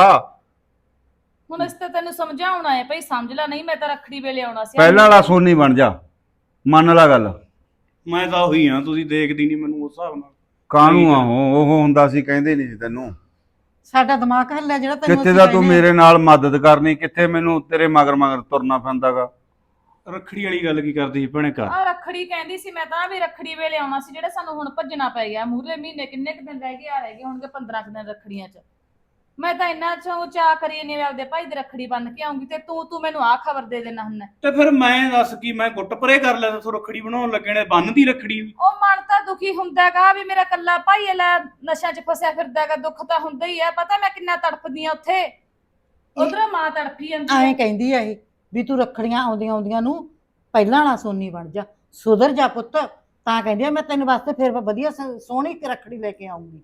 Speaker 2: ਹੁਣ ਇਸ ਤੇ ਤੈਨੂੰ ਸਮਝਾਉਣਾ ਹੈ ਭਾਈ, ਸਮਝ ਲੈ। ਨਹੀਂ ਮੈਂ ਤਾਂ ਰੱਖੜੀ ਵੇਲੇ ਆਉਣਾ ਸੀ।
Speaker 4: ਪਹਿਲਾਂ ਵਾਲਾ ਸੋਨੀ ਬਣ ਜਾ, ਮੰਨ ਲਾ ਗੱਲ।
Speaker 3: ਮੈਂ ਤਾਂ ਉਹੀ ਆ, ਤੁਸੀਂ ਦੇਖਦੀ ਨਹੀਂ ਮੈਨੂੰ ਉਸ ਹਿਸਾਬ ਨਾਲ।
Speaker 4: ਕਾਹਨੂੰ ਆ ਉਹ ਹੁੰਦਾ ਸੀ, ਕਹਿੰਦੇ ਨਹੀਂ ਸੀ ਤੈਨੂੰ।
Speaker 1: ਸਾਡਾ ਦਿਮਾਗ ਹੱਲਿਆ ਜਿਹੜਾ ਤੈਨੂੰ
Speaker 4: ਕਿੱਥੇ
Speaker 1: ਅਸੀਂ
Speaker 4: ਦਾ ਤੂੰ
Speaker 1: ਕਹਿੰਦੇ ਆ।
Speaker 4: ਮੇਰੇ ਨਾਲ ਮਦਦ ਕਰਨੀ, ਕਿੱਥੇ ਮੈਨੂੰ ਤੇਰੇ ਮਗਰ ਮਗਰ ਤੁਰਨਾ ਪੈਂਦਾਗਾ।
Speaker 3: ਰੱਖੜੀ ਵਾਲੀ ਗੱਲ ਕੀ ਕਰਦੀ ਸੀ ਭੈਣੇ? ਘਰ
Speaker 2: ਆ ਰੱਖੜੀ ਕਹਿੰਦੀ ਸੀ ਮੈਂ ਤਾਂ ਵੀ ਰੱਖੜੀ ਵੇਲੇ ਆਉਣਾ ਸੀ, ਜਿਹੜੇ ਸਾਨੂੰ ਹੁਣ ਭੱਜਣਾ ਪੈ ਗਿਆ। ਮੂਹਰੇ ਮਹੀਨੇ ਕਿੰਨੇ ਕੁ ਦਿਨ ਰਹਿ ਗਏ? ਆ ਰਹਿ ਗਏ ਹੋਣਗੇ 15 ਕੁ ਦਿਨ ਰੱਖੜੀਆਂ 'ਚ। ਮੈਂ ਤਾਂ ਇੰਨਾ ਚਾਅ ਕਰੀ ਨੇ ਆਪਦੇ ਭਾਈ ਦੀ ਰੱਖੜੀ ਬੰਨ ਕੇ ਆਉਂਗੀ, ਤੇ ਤੂੰ ਮੈਨੂੰ ਆਹ ਖਬਰ ਦੇ ਦੇਣਾ ਹੁੰਦਾ।
Speaker 3: ਤੇ ਫਿਰ ਮੈਂ ਦੱਸ ਕੀ, ਮੈਂ ਗੁੱਟ ਪਰੇ ਕਰ ਲਿਆ ਤੂੰ ਰੱਖੜੀ ਬਣਾਉਣ ਲੱਗੇ ਨੇ? ਬੰਨਦੀ ਰੱਖੜੀ ਵੀ।
Speaker 2: ਉਹ ਮਨ ਤਾਂ ਦੁਖੀ ਹੁੰਦਾਗਾ ਵੀ ਮੇਰਾ ਕੱਲਾ ਭਾਈ ਲੈ ਨਸ਼ਿਆਂ 'ਚ ਫਸਿਆ ਫਿਰਦਾਗਾ। ਦੁੱਖ ਤਾਂ ਹੁੰਦਾ ਹੀ ਆ, ਪਤਾ ਮੈਂ ਕਿੰਨਾ ਤੜਫਦੀ ਆ ਉੱਥੇ। ਉਧਰੋਂ ਮਾਂ ਤੜਫੀ ਜਾਂਦੀ
Speaker 1: ਐਂ
Speaker 2: ਆ।
Speaker 1: ਕਹਿੰਦੀ ਆ ਇਹ ਵੀ ਤੂੰ ਰੱਖੜੀਆਂ ਆਉਂਦੀਆਂ ਆਉਂਦੀਆਂ ਨੂੰ ਪਹਿਲਾਂ ਵਾਲਾ ਸੋਨੀ ਬਣ ਜਾ, ਸੁਧਰ ਜਾ ਪੁੱਤ। ਤਾਂ ਕਹਿੰਦੀ ਆ ਮੈਂ ਤੈਨੂੰ ਵਾਸਤੇ ਫਿਰ ਵਧੀਆ ਸੋਹਣੀ ਰੱਖੜੀ ਲੈ ਕੇ ਆਉਂਗੀ।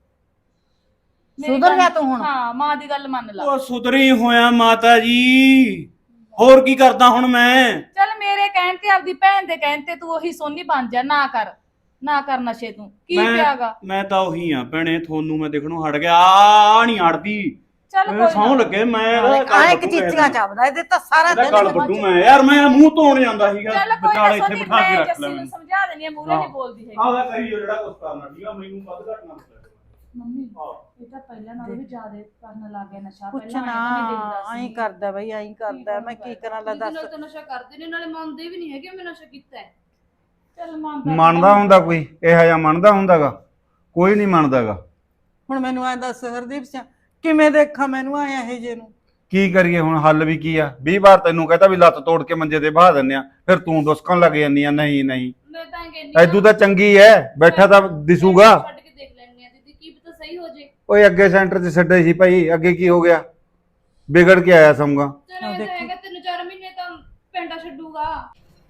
Speaker 2: ਮੇਰੀ
Speaker 1: ਸੁਧਰ ਜਾ
Speaker 2: ਗੱਲ-
Speaker 1: ਤੂੰ ਹੁਣ।
Speaker 2: ਹਾਂ ਮਾਂ ਦੀ ਗੱਲ ਮੰਨ ਲਾ।
Speaker 3: ਉਹ ਸੁਧਰੀ ਹੋਇਆ ਮਾਤਾ ਜੀ, ਹੋਰ ਕੀ ਕਰਦਾ ਹੁਣ ਮੈਂ?
Speaker 2: ਚੱਲ ਮੇਰੇ ਕਹਿਣ ਤੇ, ਆਪਦੀ ਭੈਣ ਦੇ ਕਹਿਣ ਤੇ ਤੂੰ ਉਹੀ ਸੋਨੀ ਬਣ ਜਾ, ਨਾ ਕਰ। ਨਾ ਕਰ ਨਸ਼ੇ ਤੂੰ ਕੀ
Speaker 3: ਮੈਂ-
Speaker 2: ਪਿਆਗਾ।
Speaker 3: ਮੈਂ ਤਾਂ ਉਹੀ ਆ ਭੈਣੇ, ਤੁਹਾਨੂੰ ਮੈਂ ਦੇਖਣੋਂ ਹਟ ਗਿਆ, ਆ ਨਹੀਂ ਹਟਦੀ।
Speaker 2: ਚੱਲ
Speaker 3: ਇਹ
Speaker 2: ਕੋਈ
Speaker 3: ਸੌਂ
Speaker 2: ਨਾ।
Speaker 3: ਲੱਗੇ ਮੈਂ
Speaker 1: ਆਏ ਕਿ ਚੀਚੀਆਂ ਚੱਬਦਾ ਇਹਦੇ ਤਾਂ ਸਾਰਾ
Speaker 3: ਇਹਦਾ
Speaker 1: ਦਿਨ
Speaker 3: ਗੱਲ ਵੱਡੂ ਮੈਂ ਯਾਰ, ਮੈਂ ਮੂੰਹ ਧੋਣ ਜਾਂਦਾ ਸੀਗਾ,
Speaker 2: ਚੱਲ ਕੋਈ
Speaker 3: ਵਿਚਾਲੇ
Speaker 2: ਨਾ
Speaker 3: ਇੱਥੇ
Speaker 2: ਸੋਨੀ,
Speaker 3: ਬਿਠਾ ਕੇ
Speaker 2: ਮੈਂ
Speaker 3: ਰੱਖ
Speaker 2: ਜੱਸੀ
Speaker 3: ਲੈ
Speaker 2: ਨੂੰ
Speaker 3: ਮੈਨੂੰ।
Speaker 2: ਸਮਝਾ ਦੇਣੀ ਆ, ਮੂਹਰੇ ਨਹੀਂ ਬੋਲਦੀ ਹੈਗੀ।
Speaker 3: ਆਹ ਕਰੀ ਜਿਹੜਾ ਕੁਝ ਕਰਨਾ, ਠੀਕ ਆ, ਮੈਨੂੰ ਵੱਧ ਘੱਟ ਨਾ ਬੋਲਿਆ।
Speaker 2: ਮੰਮੀ ਇਹ ਤਾਂ ਪਹਿਲਾਂ ਨਾਲੋਂ ਵੀ ਜ਼ਿਆਦਾ ਕਰਨ ਲੱਗ ਗਿਆ ਨਸ਼ਾ।
Speaker 1: ਕੁਛ
Speaker 2: ਪਹਿਲਾਂ
Speaker 1: ਨਾ
Speaker 2: ਐਂ ਤਾਂ ਨਹੀਂ ਦਿਖਦਾ ਸੀ।
Speaker 1: ਐਂ ਕਰਦਾ ਬਈ ਐਂ ਕਰਦਾ, ਮੈਂ ਕੀ ਕਰਾਂ ਲੈ
Speaker 5: ਜਿਹਦੇ
Speaker 1: ਦੱਸ।
Speaker 5: ਨਾਲ ਤਾਂ ਨਸ਼ਾ ਕਰਦੇ ਨੇ ਨਾਲੇ ਮੰਨਦੇ ਵੀ ਨਹੀਂ ਹੈਗੇ ਮੈਂ ਨਸ਼ਾ ਕੀਤਾ ਹੈ।
Speaker 2: ਚੱਲ ਮੰਨਦਾ
Speaker 4: ਮੰਨਦਾ ਹੁੰਦਾ ਕੋਈ ਇਹੋ ਜਿਹਾ ਮੰਨਦਾ ਹੁੰਦਾਗਾ? ਕੋਈ ਨਹੀਂ ਮੰਨਦਾਗਾ।
Speaker 1: ਹੁਣ ਮੈਨੂੰ ਐਂ ਦੱਸ ਹਰਦੀਪ ਸਿੰਘ, ਕਿਵੇਂ ਦੇਖਾਂ ਮੈਨੂੰ ਆਏ ਇਹ ਜੇ ਨੂੰ?
Speaker 4: ਕੀ ਕਰੀਏ ਹੁਣ, ਹੱਲ ਵੀ ਕੀ ਆ? 20 ਵਾਰ ਤੈਨੂੰ ਕਹਤਾ ਵੀ ਲੱਤ ਤੋੜ ਕੇ ਮੰਜੇ ਤੇ ਬਹਾ ਦਿੰਨੇ ਆ, ਫਿਰ ਤੂੰ ਡੁਸਕਣ ਲੱਗ ਜਾਂਦੀ ਆ ਨਹੀਂ ਨਹੀਂ।
Speaker 5: ਮੈਂ ਤਾਂ ਇਹ ਕਹਿੰਦੀ
Speaker 4: ਐਦੂ ਤਾਂ ਚੰਗੀ ਐ, ਬੈਠਾ ਤਾਂ ਦਿਸੂਗਾ।
Speaker 5: ਛੱਡ ਕੇ ਦੇਖ ਲੈਣੀ ਆ ਦੀਦੀ, ਕੀ ਪਤਾ ਸਹੀ ਹੋ ਜੇ।
Speaker 4: ਓਏ ਅੱਗੇ ਸੈਂਟਰ 'ਚ ਛੱਡੇ ਸੀ ਭਾਈ, ਅੱਗੇ ਕੀ ਹੋ ਗਿਆ? ਵਿਗੜ ਕੇ ਆਇਆ ਸਮਗਾ।
Speaker 5: ਚਲੋ ਇਹ ਤਾਂ ਹੈਗਾ 3-4 ਮਹੀਨੇ ਤਾਂ ਪਿੰਡਾ ਛੱਡੂਗਾ।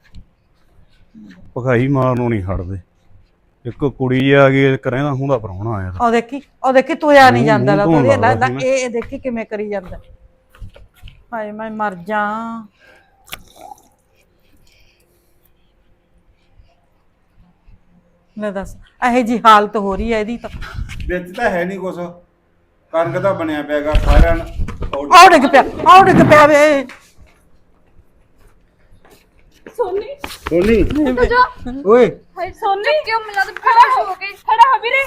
Speaker 3: ਭਗਾਈ ਮਾਰਨੋਂ ਨਹੀਂ ਹਟਦੇ। ਇੱਕ ਕੁੜੀ ਆ ਗਈ, ਕਰੇਂਦਾ ਹੁੰਦਾ ਪ੍ਰਾਹੁਣਾ ਆਇਆ ਤਾਂ।
Speaker 1: ਉਹ ਦੇਖੀ ਤੁਰਿਆ ਨਹੀਂ ਜਾਂਦਾ ਲਾ,
Speaker 3: ਮੂੰਹ ਧੋਣ
Speaker 1: ਲੈ
Speaker 3: ਲੱਗਦਾ ਸੀ
Speaker 1: ਇਹ ਦੇਖੀ ਕਿਵੇਂ ਕਰੀ ਜਾਂਦਾ। ਹਾਏ ਮੈਂ ਮਰ ਜਾ। ਲੈ ਦੱਸ ਇਹੋ ਜੀ ਹਾਲਤ ਹੋ ਰਹੀ ਹੈ ਇਹਦੀ ਤਾਂ।
Speaker 4: ਵਿੱਚ ਤਾਂ ਹੈ ਨਹੀਂ ਕੁਛ, ਕਣਕ ਤਾਂ ਬਣਿਆ ਪਿਆਗਾ ਸਾਰਿਆਂ ਨੂੰ।
Speaker 1: ਆਉ ਡਿੱਗ ਪਿਆ ਵੇ।
Speaker 2: ਸੋਨੀ
Speaker 4: ਸੋਨੀ
Speaker 5: ਉੱਠ ਜਾ।
Speaker 4: ਓਏ
Speaker 2: ਹਾਏ ਸੋਨੀ
Speaker 5: ਕਿਉਂ ਮਿਲਾ ਦੇ ਖੜਾ ਹੋ ਕੇ?
Speaker 2: ਖੜਾ ਹੋ ਵੀਰੇ।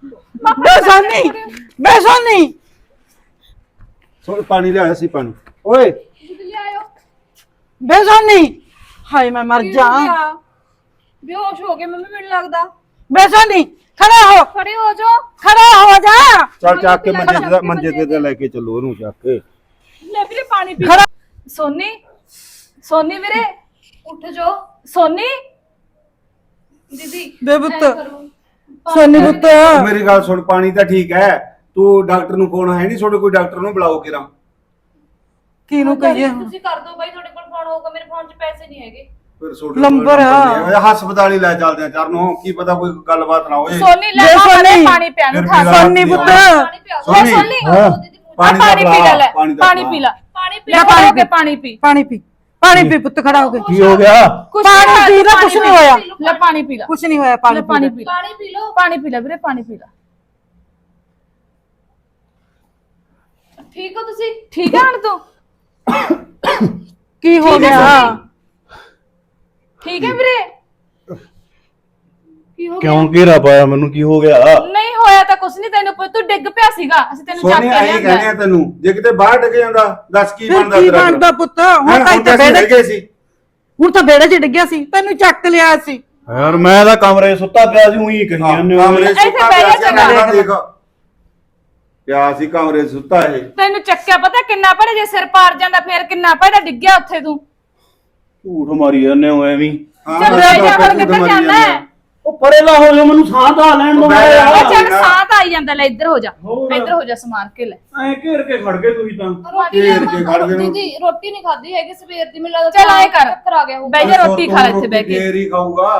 Speaker 1: ਬੇ ਸੋਨੀ
Speaker 4: ਸੋਨ ਪਾਣੀ ਲਿਆਇਆ ਸੀ ਪਾਣੀ। ਓਏ
Speaker 5: ਦੁੱਧ ਲਿਆਇਓ।
Speaker 1: ਬੇ ਸੋਨੀ, ਹਾਏ ਮੈਂ ਮਰ ਜਾ।
Speaker 5: ਬੇਹੋਸ਼ ਹੋ ਗਏ ਮੰਮੀ ਮੈਨੂੰ ਲੱਗਦਾ।
Speaker 1: ਬੇ ਸੋਨੀ ਖੜਾ ਹੋ
Speaker 5: ਖੜੇ ਹੋ ਜਾਓ।
Speaker 4: ਚੱਲ ਚੱਕ ਕੇ ਮੰਜੇ ਤੇ ਲੈ ਕੇ ਚੱਲੋ ਉਹਨੂੰ ਚੱਕ ਕੇ।
Speaker 2: ਲੈ ਵੀਰੇ ਪਾਣੀ ਪੀ।
Speaker 1: ਖੜਾ।
Speaker 2: ਸੋਨੀ ਸੋਨੀ ਵੀਰੇ
Speaker 5: ਉੱਠ ਜਾਓ
Speaker 2: ਸੋਨੀ।
Speaker 5: ਦੀਦੀ
Speaker 1: ਬੇ ਪੁੱਤ,
Speaker 5: ਐਂ ਕਰੋ।
Speaker 1: ਸੋਨੀ ਪੁੱਤ
Speaker 4: ਮੇਰੀ ਗੱਲ ਸੁਣ, ਪਾਣੀ ਤਾਂ ਠੀਕ ਹੈ, ਤੂੰ ਡਾਕਟਰ ਨੂੰ ਫੋਨ ਹੈ ਨਹੀਂ ਤੁਹਾਡੇ? ਕੋਈ ਡਾਕਟਰ ਨੂੰ ਬੁਲਾਓ ਕਿਰਾ।
Speaker 1: ਕਿਹਨੂੰ ਕਹੀਏ ਹੁਣ?
Speaker 5: ਤੁਸੀਂ ਕਰ ਦਿਓ ਬਾਈ, ਤੁਹਾਡੇ ਕੋਲ ਫੋਨ ਹੋਊਗਾ, ਮੇਰੇ ਫੋਨ 'ਚ ਪੈਸੇ ਨਹੀਂ ਹੈਗੇ।
Speaker 4: ਫਿਰ ਤੁਹਾਡੇ
Speaker 1: ਨੰਬਰ ਆ।
Speaker 4: ਹਸਪਤਾਲ ਹੀ ਲੈ ਚੱਲਦੇ ਆ ਚਰਨੋਂ, ਕੀ ਪਤਾ ਕੋਈ ਗੱਲਬਾਤ ਨਾ ਹੋਏ।
Speaker 2: ਸੋਨੀ ਲੈ
Speaker 1: ਬੇ
Speaker 2: ਆ
Speaker 1: ਸੋਨੀ।
Speaker 2: ਪਾਣੀ ਪਿਆ ਨੂੰ
Speaker 4: ਫਿਰ
Speaker 2: ਖਾ।
Speaker 4: ਮੇਰਾ
Speaker 1: ਸੋਨੀ
Speaker 4: ਹੱਥ
Speaker 1: ਪੁੱਤ।
Speaker 5: ਪਾਣੀ ਪਿਆ ਦਿਓ।
Speaker 4: ਸੋਨੀ,
Speaker 2: ਸੋਨੀ,
Speaker 4: ਹਾਂ।
Speaker 5: ਦੀਦੀ ਮੂੰਹ 'ਚ
Speaker 4: ਪਾਣੀ
Speaker 2: ਪਾਣੀ
Speaker 4: ਦਾ
Speaker 2: ਪੀ ਲੈ, ਲੈ
Speaker 4: ਪਾਣੀ ਦਾ
Speaker 2: ਪਾਣੀ ਪੀ ਲੈ।
Speaker 5: ਪਾਣੀ ਪੀ
Speaker 2: ਲੈ
Speaker 5: ਲਓ।
Speaker 2: ਖੜਾ ਹੋ ਕੇ ਪਾਣੀ ਪੀ।
Speaker 1: ਪਾਣੀ ਪੀ ਪੁੱਤ, ਖੜਾ ਹੋ ਕੇ।
Speaker 4: ਕੀ ਹੋ ਗਿਆ?
Speaker 2: ਕੁਛ
Speaker 1: ਪਾਣੀ
Speaker 2: ਨਹੀਂ
Speaker 1: ਪੀ ਲੈ,
Speaker 2: ਪਾਣੀ
Speaker 1: ਕੁਛ ਨਹੀਂ ਹੋਇਆ।
Speaker 2: ਲੈ ਪਾਣੀ ਪੀ ਲੈ।
Speaker 1: ਕੁਛ ਨਹੀਂ ਹੋਇਆ,
Speaker 2: ਲੈ
Speaker 1: ਪਾਣੀ
Speaker 2: ਪਾਣੀ
Speaker 1: ਪੀ
Speaker 2: ਪੀ ਲੈ।
Speaker 5: ਪਾਣੀ ਪੀ ਲਓ।
Speaker 2: ਪਾਣੀ ਪੀ ਲੈ ਵੀਰੇ, ਪਾਣੀ ਪੀ ਲੈ।
Speaker 5: ਠੀਕ ਹੋ ਤੁਸੀਂ?
Speaker 2: ਠੀਕ ਹੈ ਹੁਣ ਤੂੰ?
Speaker 1: ਕੀ ਹੋ
Speaker 2: ਠੀਕ ਹੈ
Speaker 1: ਗਿਆ?
Speaker 2: ਠੀਕ ਹੈ ਵੀਰੇ?
Speaker 5: ਕੀ ਹੋ ਗਿਆ?
Speaker 3: ਕਿਉਂ ਘੇਰਾ ਪਾਇਆ ਮੈਨੂੰ, ਕੀ ਹੋ ਗਿਆ?
Speaker 2: ਨਹੀਂ ਹੋਇਆ ਤਾਂ ਕੁਛ ਨਹੀਂ, ਤੈਨੂੰ ਤੂੰ ਡਿੱਗ ਪਿਆ ਸੀਗਾ, ਅਸੀਂ ਤੈਨੂੰ ਚੱਕ
Speaker 4: ਸੋਨੀ
Speaker 2: ਕੇ
Speaker 4: ਆਈ ਕਹਿੰਦੇ
Speaker 2: ਲਿਆਂਦਾ।
Speaker 4: ਆ ਤੈਨੂੰ, ਜੇ ਕਿਤੇ ਬਾਹਰ ਡਿੱਗ ਜਾਂਦਾ ਦੱਸ ਕੀ
Speaker 1: ਫਿਰ
Speaker 4: ਬਣਦਾ
Speaker 1: ਕੀ
Speaker 4: ਤੇਰਾ?
Speaker 1: ਬਣਦਾ ਪੁੱਤ? ਹੁਣ
Speaker 4: ਹੈਂ,
Speaker 1: ਤਾਂ
Speaker 4: ਹੁਣ ਤਾਂ ਅਸੀਂ
Speaker 1: ਬੇੜੇ
Speaker 4: ਰਹਿ ਗਏ ਸੀ।
Speaker 1: ਹੁਣ ਤਾਂ ਬੇੜੇ 'ਚ ਡਿੱਗਿਆ ਸੀ, ਤੈਨੂੰ ਚੱਕ ਲਿਆ ਸੀ।
Speaker 3: ਯਾਰ ਮੈਂ ਤਾਂ ਕਮਰੇ 'ਚ ਸੁੱਤਾ ਪਿਆ ਸੀ, ਉਹੀ ਕਹੀ ਜਾਂਦੇ ਹੋ।
Speaker 4: ਕਮਰੇ 'ਚ
Speaker 2: ਇੱਥੇ
Speaker 4: ਸੁੱਤਾ
Speaker 2: ਬਹਿ ਜਾ
Speaker 4: ਪਿਆ ਸੀ,
Speaker 2: ਚੰਗਾ
Speaker 4: ਮੈਂ ਦੇਖ ਪਿਆ ਸੀ ਕਮਰੇ 'ਚ ਸੁੱਤਾ ਇਹ।
Speaker 2: ਤੈਨੂੰ ਚੱਕਿਆ ਪਤਾ ਕਿੰਨਾ ਪੜਾ, ਜੇ ਸਿਰ ਪਾਰ ਜਾਂਦਾ ਫੇਰ ਕਿੰਨਾ ਪੜਾ, ਡਿੱਗਿਆ ਉੱਥੇ ਤੂੰ।
Speaker 3: ਝੂਠ ਮਾਰੀ ਜਾਂਦੇ ਹੋ ਐਵੇਂ।
Speaker 4: ਹਾਂ,
Speaker 2: ਚੱਲ
Speaker 4: ਮੈਂ
Speaker 2: ਬਹਿ ਜਾ,
Speaker 4: ਤਾਂ
Speaker 2: ਹੁਣ ਕਿੱਧਰ
Speaker 4: ਮਰੀ
Speaker 2: ਜਾਣਾ ਹੈ?
Speaker 3: ਉਹ ਪਰੇ ਲਾ ਹੋ ਜਾ, ਮੈਨੂੰ ਸਾਹ ਤਾਂ ਲੈਣ ਦੋ।
Speaker 4: ਬਹਿ ਜਾ।
Speaker 2: ਉਹ ਚੱਲ ਸਾਹ ਤਾਂ ਆਈ ਜਾਂਦਾ, ਲੈ ਇੱਧਰ ਹੋ ਜਾ,
Speaker 3: ਹੋਰ।
Speaker 2: ਇੱਧਰ ਹੋ ਜਾ, ਸਮਾਰ ਕੇ ਲੈ।
Speaker 3: ਐ ਘੇਰ ਕੇ ਖੜ ਗਏ ਤੁਸੀਂ ਤਾਂ।
Speaker 5: ਰੋਟੀ
Speaker 4: ਘੇਰ ਕੇ ਖੜ ਗਏ ਨੂੰ।
Speaker 5: ਦੀਦੀ ਰੋਟੀ ਨਹੀਂ ਖਾਧੀ ਹੈਗੀ ਸਵੇਰ ਦੀ, ਮੈਨੂੰ ਲੱਗਦਾ
Speaker 2: ਚੱਲ ਆਏਂ ਕਰ।
Speaker 5: ਚੱਕਰ ਆ ਗਿਆ ਹੋਊਗਾ।
Speaker 2: ਬਹਿ ਜਾ, ਰੋਟੀ ਖਾ ਲੈ ਇੱਥੇ ਬਹਿ ਕੇ।
Speaker 4: ਫੇਰ ਹੀ ਖਾਊਗਾ।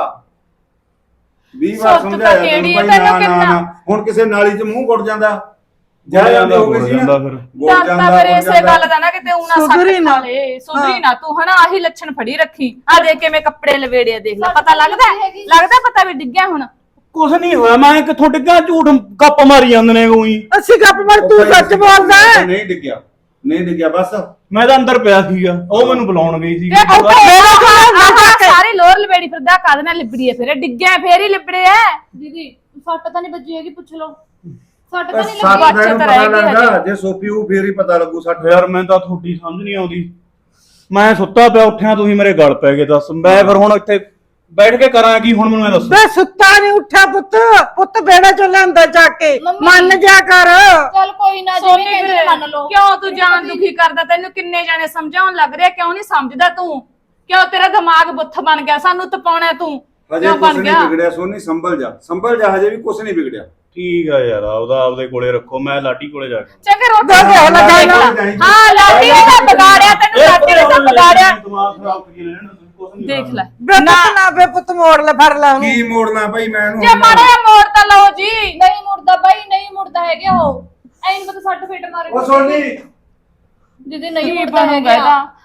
Speaker 4: 20 ਵਾਰ
Speaker 2: ਸੁਰਤ ਤਾਂ
Speaker 4: ਸਮਝਾਇਆ
Speaker 2: ਕਿਹੜੀ
Speaker 4: ਤੈਨੂੰ
Speaker 2: ਹੈ,
Speaker 4: ਭਾਈ,
Speaker 2: ਤੈਨੂੰ
Speaker 4: ਨਾ ਨਾ
Speaker 2: ਕਿੰਨਾ?
Speaker 4: ਨਾ। ਹੁਣ ਕਿਸੇ ਨਾਲੀ 'ਚ ਮੂੰਹ ਗੁੱਟ ਜਾਂਦਾ, ਜਾ ਜਾਂਦੇ ਹੋ ਗਏ ਸੀ ਨਾ।
Speaker 3: ਫਿਰ
Speaker 4: ਗੁੱਟ
Speaker 2: ਡਰਦਾ
Speaker 4: ਜਾਂਦਾ,
Speaker 2: ਫਿਰ
Speaker 4: ਗੁੱਟ
Speaker 2: ਇਸੇ
Speaker 4: ਜਾਂਦਾ।
Speaker 2: ਗੱਲ ਦਾ ਨਾ ਕਿਤੇ ਉਹਨਾਂ
Speaker 1: ਸੁਧਰੀ
Speaker 2: ਸੱਟ
Speaker 1: ਨਾ।
Speaker 2: ਖਾ ਲੇ, ਸੁਧਰੀ ਨਾ ਤੂੰ, ਹਨਾ ਆਹੀ ਲੱਛਣ ਫੜੀ ਰੱਖੀ। ਆ ਦੇਖ ਕਿਵੇਂ ਕੱਪੜੇ ਲਵੇੜੇ ਆ, ਦੇਖ ਲੈ, ਪਤਾ ਲੱਗਦਾ
Speaker 5: ਹੈਗੀ।
Speaker 2: ਲੱਗਦਾ ਪਤਾ ਵੀ ਡਿੱਗਿਆ ਹੁਣ।
Speaker 3: ਕੁਛ ਨਹੀਂ ਹੋਇਆ, ਮੈਂ ਕਿੱਥੋਂ ਡਿੱਗਾ? ਝੂਠ ਗੱਪ ਮਾਰੀ ਜਾਂਦੇ ਨੇ ਉਹੀ।
Speaker 1: ਅਸੀਂ ਗੱਪ ਮਾਰ,
Speaker 4: ਉਹ
Speaker 1: ਤੂੰ
Speaker 4: ਭਾਈ
Speaker 1: ਸੱਚ ਬੋਲਦਾ ਹੈ।
Speaker 4: ਨਹੀਂ ਡਿੱਗਿਆ, ਨਹੀਂ ਡਿੱਗਿਆ ਬਸ।
Speaker 3: ਮੈਂ ਤਾਂ ਅੰਦਰ ਪਿਆ ਸੀਗਾ, ਉਹ ਮੈਨੂੰ ਬੁਲਾਉਣ ਗਈ ਸੀ।
Speaker 2: ਤੇ ਉੱਥੇ ਸਾਰੀ ਲੋਰ ਲਵੇੜੀ ਫਿਰਦਾ, ਕਾਹਦੇ ਨਾਲ ਲਿਬੜੀ ਐ? ਫਿਰ ਡਿੱਗਿਆ ਫੇਰ ਹੀ ਲਿਬੜੇ ਐ।
Speaker 5: ਦੀਦੀ ਸੱਟ ਤਾਂ ਨਹੀਂ ਵੱਜੀ ਹੈਗੀ, ਪੁੱਛ ਲਓ। ਸੱਟ ਤਾਂ ਨਹੀਂ
Speaker 4: ਸੱਟ
Speaker 5: ਲੱਗੀ।
Speaker 2: ਬੱਚੇ
Speaker 4: ਦਾ
Speaker 2: ਤਾਂ
Speaker 4: ਪਤਾ
Speaker 2: ਰਹਿ ਗਏ
Speaker 4: ਲੱਗਦਾ,
Speaker 2: ਹਜੇ।
Speaker 4: ਜੇ ਸੋਪੀ ਉਹ ਫੇਰ ਹੀ ਪਤਾ ਲੱਗੂ ਸੱਟ।
Speaker 3: ਯਾਰ ਮੈਂ ਤਾਂ ਤੁਹਾਡੀ ਸਮਝ ਨਹੀਂ ਆਉਂਦੀ। ਮੈਂ ਸੁੱਤਾ ਪਿਆ, ਉੱਠਿਆ ਤੁਸੀਂ ਮੇਰੇ ਗਲ ਪੈ ਗਏ। ਦੱਸ ਮੈਂ ਫਿਰ ਹੁਣ ਇੱਥੇ ਬੈਠ ਕੇ ਕਰਾਂ ਕੀ? ਹੁਣ ਮੈਨੂੰ ਇਹ ਦੱਸੋ।
Speaker 1: ਬੇ ਸੁੱਤਾ ਨਹੀਂ ਉੱਠਿਆ ਪੁੱਤ ਬੇੜੇ 'ਚੋਂ ਲਿਆਂਦਾ ਚੱਕ ਕੇ।
Speaker 5: ਮੰਮੀ।
Speaker 1: ਮੰਨ ਜਾ ਕਰ।
Speaker 5: ਚੱਲ ਕੋਈ ਨਾ,
Speaker 2: ਸੋਨੀ
Speaker 5: ਜਿਵੇਂ ਕਹਿੰਦੇ
Speaker 2: ਵੀਰੇ,
Speaker 5: ਮੰਨ ਲਓ।
Speaker 2: ਕਿਉਂ ਤੂੰ ਜਾਨ ਦੁਖੀ ਕਰਦਾ? ਤੈਨੂੰ ਕਿੰਨੇ ਜਾਣੇ ਸਮਝਾਉਣ ਲੱਗ ਰਿਹਾ, ਕਿਉਂ ਨਹੀਂ ਸਮਝਦਾ ਤੂੰ? ਕਿਉਂ ਤੇਰਾ ਦਿਮਾਗ ਬੁੱਥ ਬਣ ਗਿਆ? ਸਾਨੂੰ ਤਪਾਉਣਾ ਤੂੰ
Speaker 4: ਹਜੇ
Speaker 2: ਕਿਉਂ
Speaker 4: ਕੁਛ
Speaker 2: ਬਣ
Speaker 4: ਨਹੀਂ
Speaker 2: ਗਿਆ?
Speaker 4: ਵਿਗੜਿਆ ਸੋਨੀ, ਸੰਭਲ ਜਾ, ਹਜੇ ਵੀ ਕੁਛ ਨਹੀਂ ਵਿਗੜਿਆ।
Speaker 3: ਠੀਕ ਆ ਯਾਰ, ਆਪਦੇ ਕੋਲੇ ਰੱਖੋ, ਮੈਂ ਲਾਡੀ ਕੋਲੇ ਜਾ ਕੇ।
Speaker 2: ਚੰਗੇ ਰੋਟੀ
Speaker 1: ਦੱਸ
Speaker 2: ਖਾ ਲੈ,
Speaker 1: ਲੱਗਾ
Speaker 2: ਜਾ
Speaker 1: ਨਾ।
Speaker 2: ਕੇ। ਹਾਂ ਲਾਡੀ ਨੇ ਤਾਂ ਵਿਗਾੜਿਆ ਤੈਨੂੰ, ਲਾਡੀ ਨੇ ਤਾਂ ਵਿਗਾੜਿਆ।
Speaker 3: ਦਿਮਾਗ ਖਰਾਬ ਕਰੀ ਲੈਣ, ਕੁਛ ਨਹੀਂ
Speaker 2: ਦੇਖ ਲੈ
Speaker 1: ਬੇ ਪੁੱਤ ਨਾ ਬੇ ਪੁੱਤ ਮੋੜ ਲੈ, ਫੜ ਲੈ ਉਹਨੂੰ।
Speaker 4: ਕੀ ਮੋੜਨਾ ਭਾਈ ਮੈਂ ਇਹਨੂੰ?
Speaker 2: ਜੇ ਮਾੜਾ ਜਿਹਾ ਮੋੜ ਤਾਂ ਲਓ ਜੀ।
Speaker 5: ਨਹੀਂ ਮੁੜਦਾ ਬਾਈ, ਨਹੀਂ ਮੁੜਦਾ ਹੈਗਾ ਉਹ। ਐਂ ਪਤਾ ਸੱਟ ਫੇਟ ਮਾਰੇ।
Speaker 4: ਉਹ ਸੋਨੀ
Speaker 5: ਦੀਦੀ ਨਹੀਂ
Speaker 2: ਕੀ
Speaker 5: ਮੁੜਦਾ
Speaker 2: ਬਣੂਗਾ
Speaker 5: ਹੈਗਾ।
Speaker 2: ਇਹਦਾ?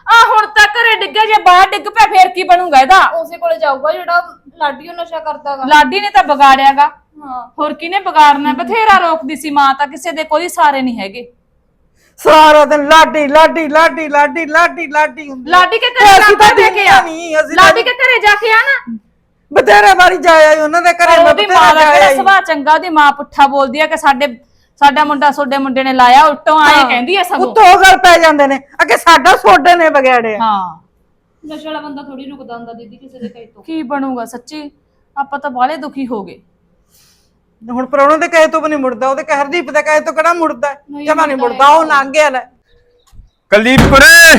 Speaker 2: ਆ ਹੁਣ ਤਾਂ ਘਰੇ ਡਿੱਗਿਆ, ਜੇ ਬਾਹਰ ਡਿੱਗ ਪਿਆ ਫੇਰ ਕੀ ਬਣੂਗਾ ਇਹਦਾ?
Speaker 5: ਉਸੇ ਕੋਲੇ ਜਾਊਗਾ ਜਿਹੜਾ ਲਾਡੀ ਉਹ ਨਸ਼ਾ ਕਰਦਾਗਾ।
Speaker 2: ਲਾਡੀ ਨੇ ਤਾਂ ਵਿਗਾੜਿਆਗਾ,
Speaker 5: ਹਾਂ
Speaker 2: ਹੋਰ ਕਿਹਨੇ ਵਿਗਾੜਨਾ? ਬਥੇਰਾ ਰੋਕਦੀ ਸੀ ਮਾਂ, ਤਾਂ ਕਿਸੇ ਦੇ ਕੋਈ ਸਾਰੇ ਨਹੀਂ ਹੈਗੇ।
Speaker 1: ਸਾਰਾ ਦਿਨ ਲਾਡੀ ਲਾਡੀ ਲਾਡੀ ਲਾਡੀ ਲਾਡੀ ਲਾਡੀ ਹੁੰਦੀ ਆ।
Speaker 2: ਲਾਡੀ ਕੇ
Speaker 1: ਤੇ
Speaker 2: ਘਰੇ
Speaker 1: ਅਸੀਂ
Speaker 2: ਜਾ
Speaker 1: ਤਾਂ
Speaker 2: ਕੇ ਕੇ ਆ,
Speaker 1: ਨਹੀਂ, ਅਸੀਂ ਤਾਂ
Speaker 2: ਲਾਡੀ ਕੇ ਘਰੇ ਜਾ ਕੇ ਆ ਨਾ।
Speaker 1: ਬਥੇਰੇ ਵਾਰੀ ਜਾਇਆ ਈ ਉਹਨਾਂ ਦੇ ਘਰੇ, ਮੈਂ
Speaker 2: ਉਹਦੀ
Speaker 1: ਬਥੇਰਾ
Speaker 2: ਮਾਂ ਦਾ
Speaker 1: ਜਾਇਆ
Speaker 2: ਕਿਹੜਾ
Speaker 1: ਈ।
Speaker 2: ਸੁਭਾਅ ਚੰਗਾ? ਉਹਦੀ ਮਾਂ ਪੁੱਠਾ ਬੋਲਦੀ ਆ ਕਿ ਸਾਡਾ ਮੁੰਡਾ ਤੁਹਾਡੇ ਮੁੰਡੇ ਨੇ ਲਾਇਆ, ਉਲਟੋਂ ਆਏ ਕਹਿੰਦੀ ਆ ਸਗੋਂ।
Speaker 1: ਉੱਤੋਂ ਗੱਲ ਪੈ ਜਾਂਦੇ ਨੇ, ਅੱਗੇ ਸਾਡਾ ਸੋਡੇ ਨੇ ਵਿਗਾੜਿਆ।
Speaker 2: ਹਾਂ,
Speaker 5: ਨਸ਼ੇ ਵਾਲਾ ਬੰਦਾ ਥੋੜੀ ਰੁਕਦਾ ਹੁੰਦਾ ਦੀਦੀ ਕਿਸੇ ਦੇ ਕਹੇ ਤੋਂ।
Speaker 2: ਕੀ ਬਣੂਗਾ ਸੱਚੀ? ਆਪਾਂ ਤਾਂ ਬਾਹਲੇ ਦੁਖੀ ਹੋ ਗਏ।
Speaker 1: ਹੁਣ ਪ੍ਰਾਹੁਣੇ ਦੇ ਕਹੇ ਤੋਂ ਵੀ ਨਹੀਂ ਮੁੜਦਾ, ਉਹਦੇ ਹਰਦੀਪ ਦੇ ਕਹੇ ਤੋਂ ਕਿਹੜਾ ਮੁੜਦਾ?
Speaker 5: ਨਹੀਂ
Speaker 1: ਜਮਾ ਨਹੀਂ
Speaker 5: ਮੁੜਦਾ
Speaker 1: ਮੁੜਦਾ, ਉਹ ਲੰਘ ਗਿਆ ਲੈ।
Speaker 4: ਕੁਲਦੀਪ ਕੁਰੇ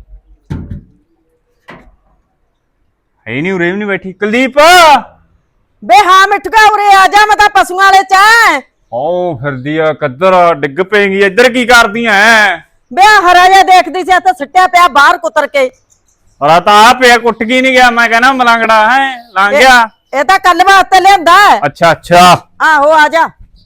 Speaker 4: ਹੈ ਨਹੀਂ, ਉਰੇ ਵੀ ਨਹੀਂ ਬੈਠੀ ਕੁਲਦੀਪ।
Speaker 1: ਬੇ ਹਾਂ ਮਿੱਠੂਆ ਉਰੇ ਆ ਜਾ, ਮੈਂ ਤਾਂ ਪਸ਼ੂਆਂ ਵਾਲੇ ਚ ਆਂ।
Speaker 4: ਓ ਫਿਰਦੀ ਆ ਕਿੱਧਰ ਡਿੱਗ ਪਏਗੀ, ਇੱਧਰ ਕੀ ਕਰਦੀਆਂ ਐ?
Speaker 1: ਬੇ ਹਰਾ ਜਿਹਾ ਦੇਖਦੀ ਸੀ ਤਾਂ ਸਿੱਟਿਆ ਪਿਆ ਬਾਹਰ ਕੁਤਰ ਕੇ।
Speaker 4: ਔਰ ਤਾਂ ਆ ਪਿਆ, ਕੁੱਟ ਕੀ ਨਹੀਂ ਗਿਆ, ਮੈਂ ਕਹਿੰਦਾ ਮਲੰਗੜਾ ਹੈ ਲੰਘ ਗਿਆ।
Speaker 1: ਇਹ ਤਾਂ ਕੱਲ ਵਾਸਤੇ ਲਿਆਂਦਾ।
Speaker 4: ਅੱਛਾ ਅੱਛਾ,
Speaker 1: ਆਹੋ ਆ ਜਾ।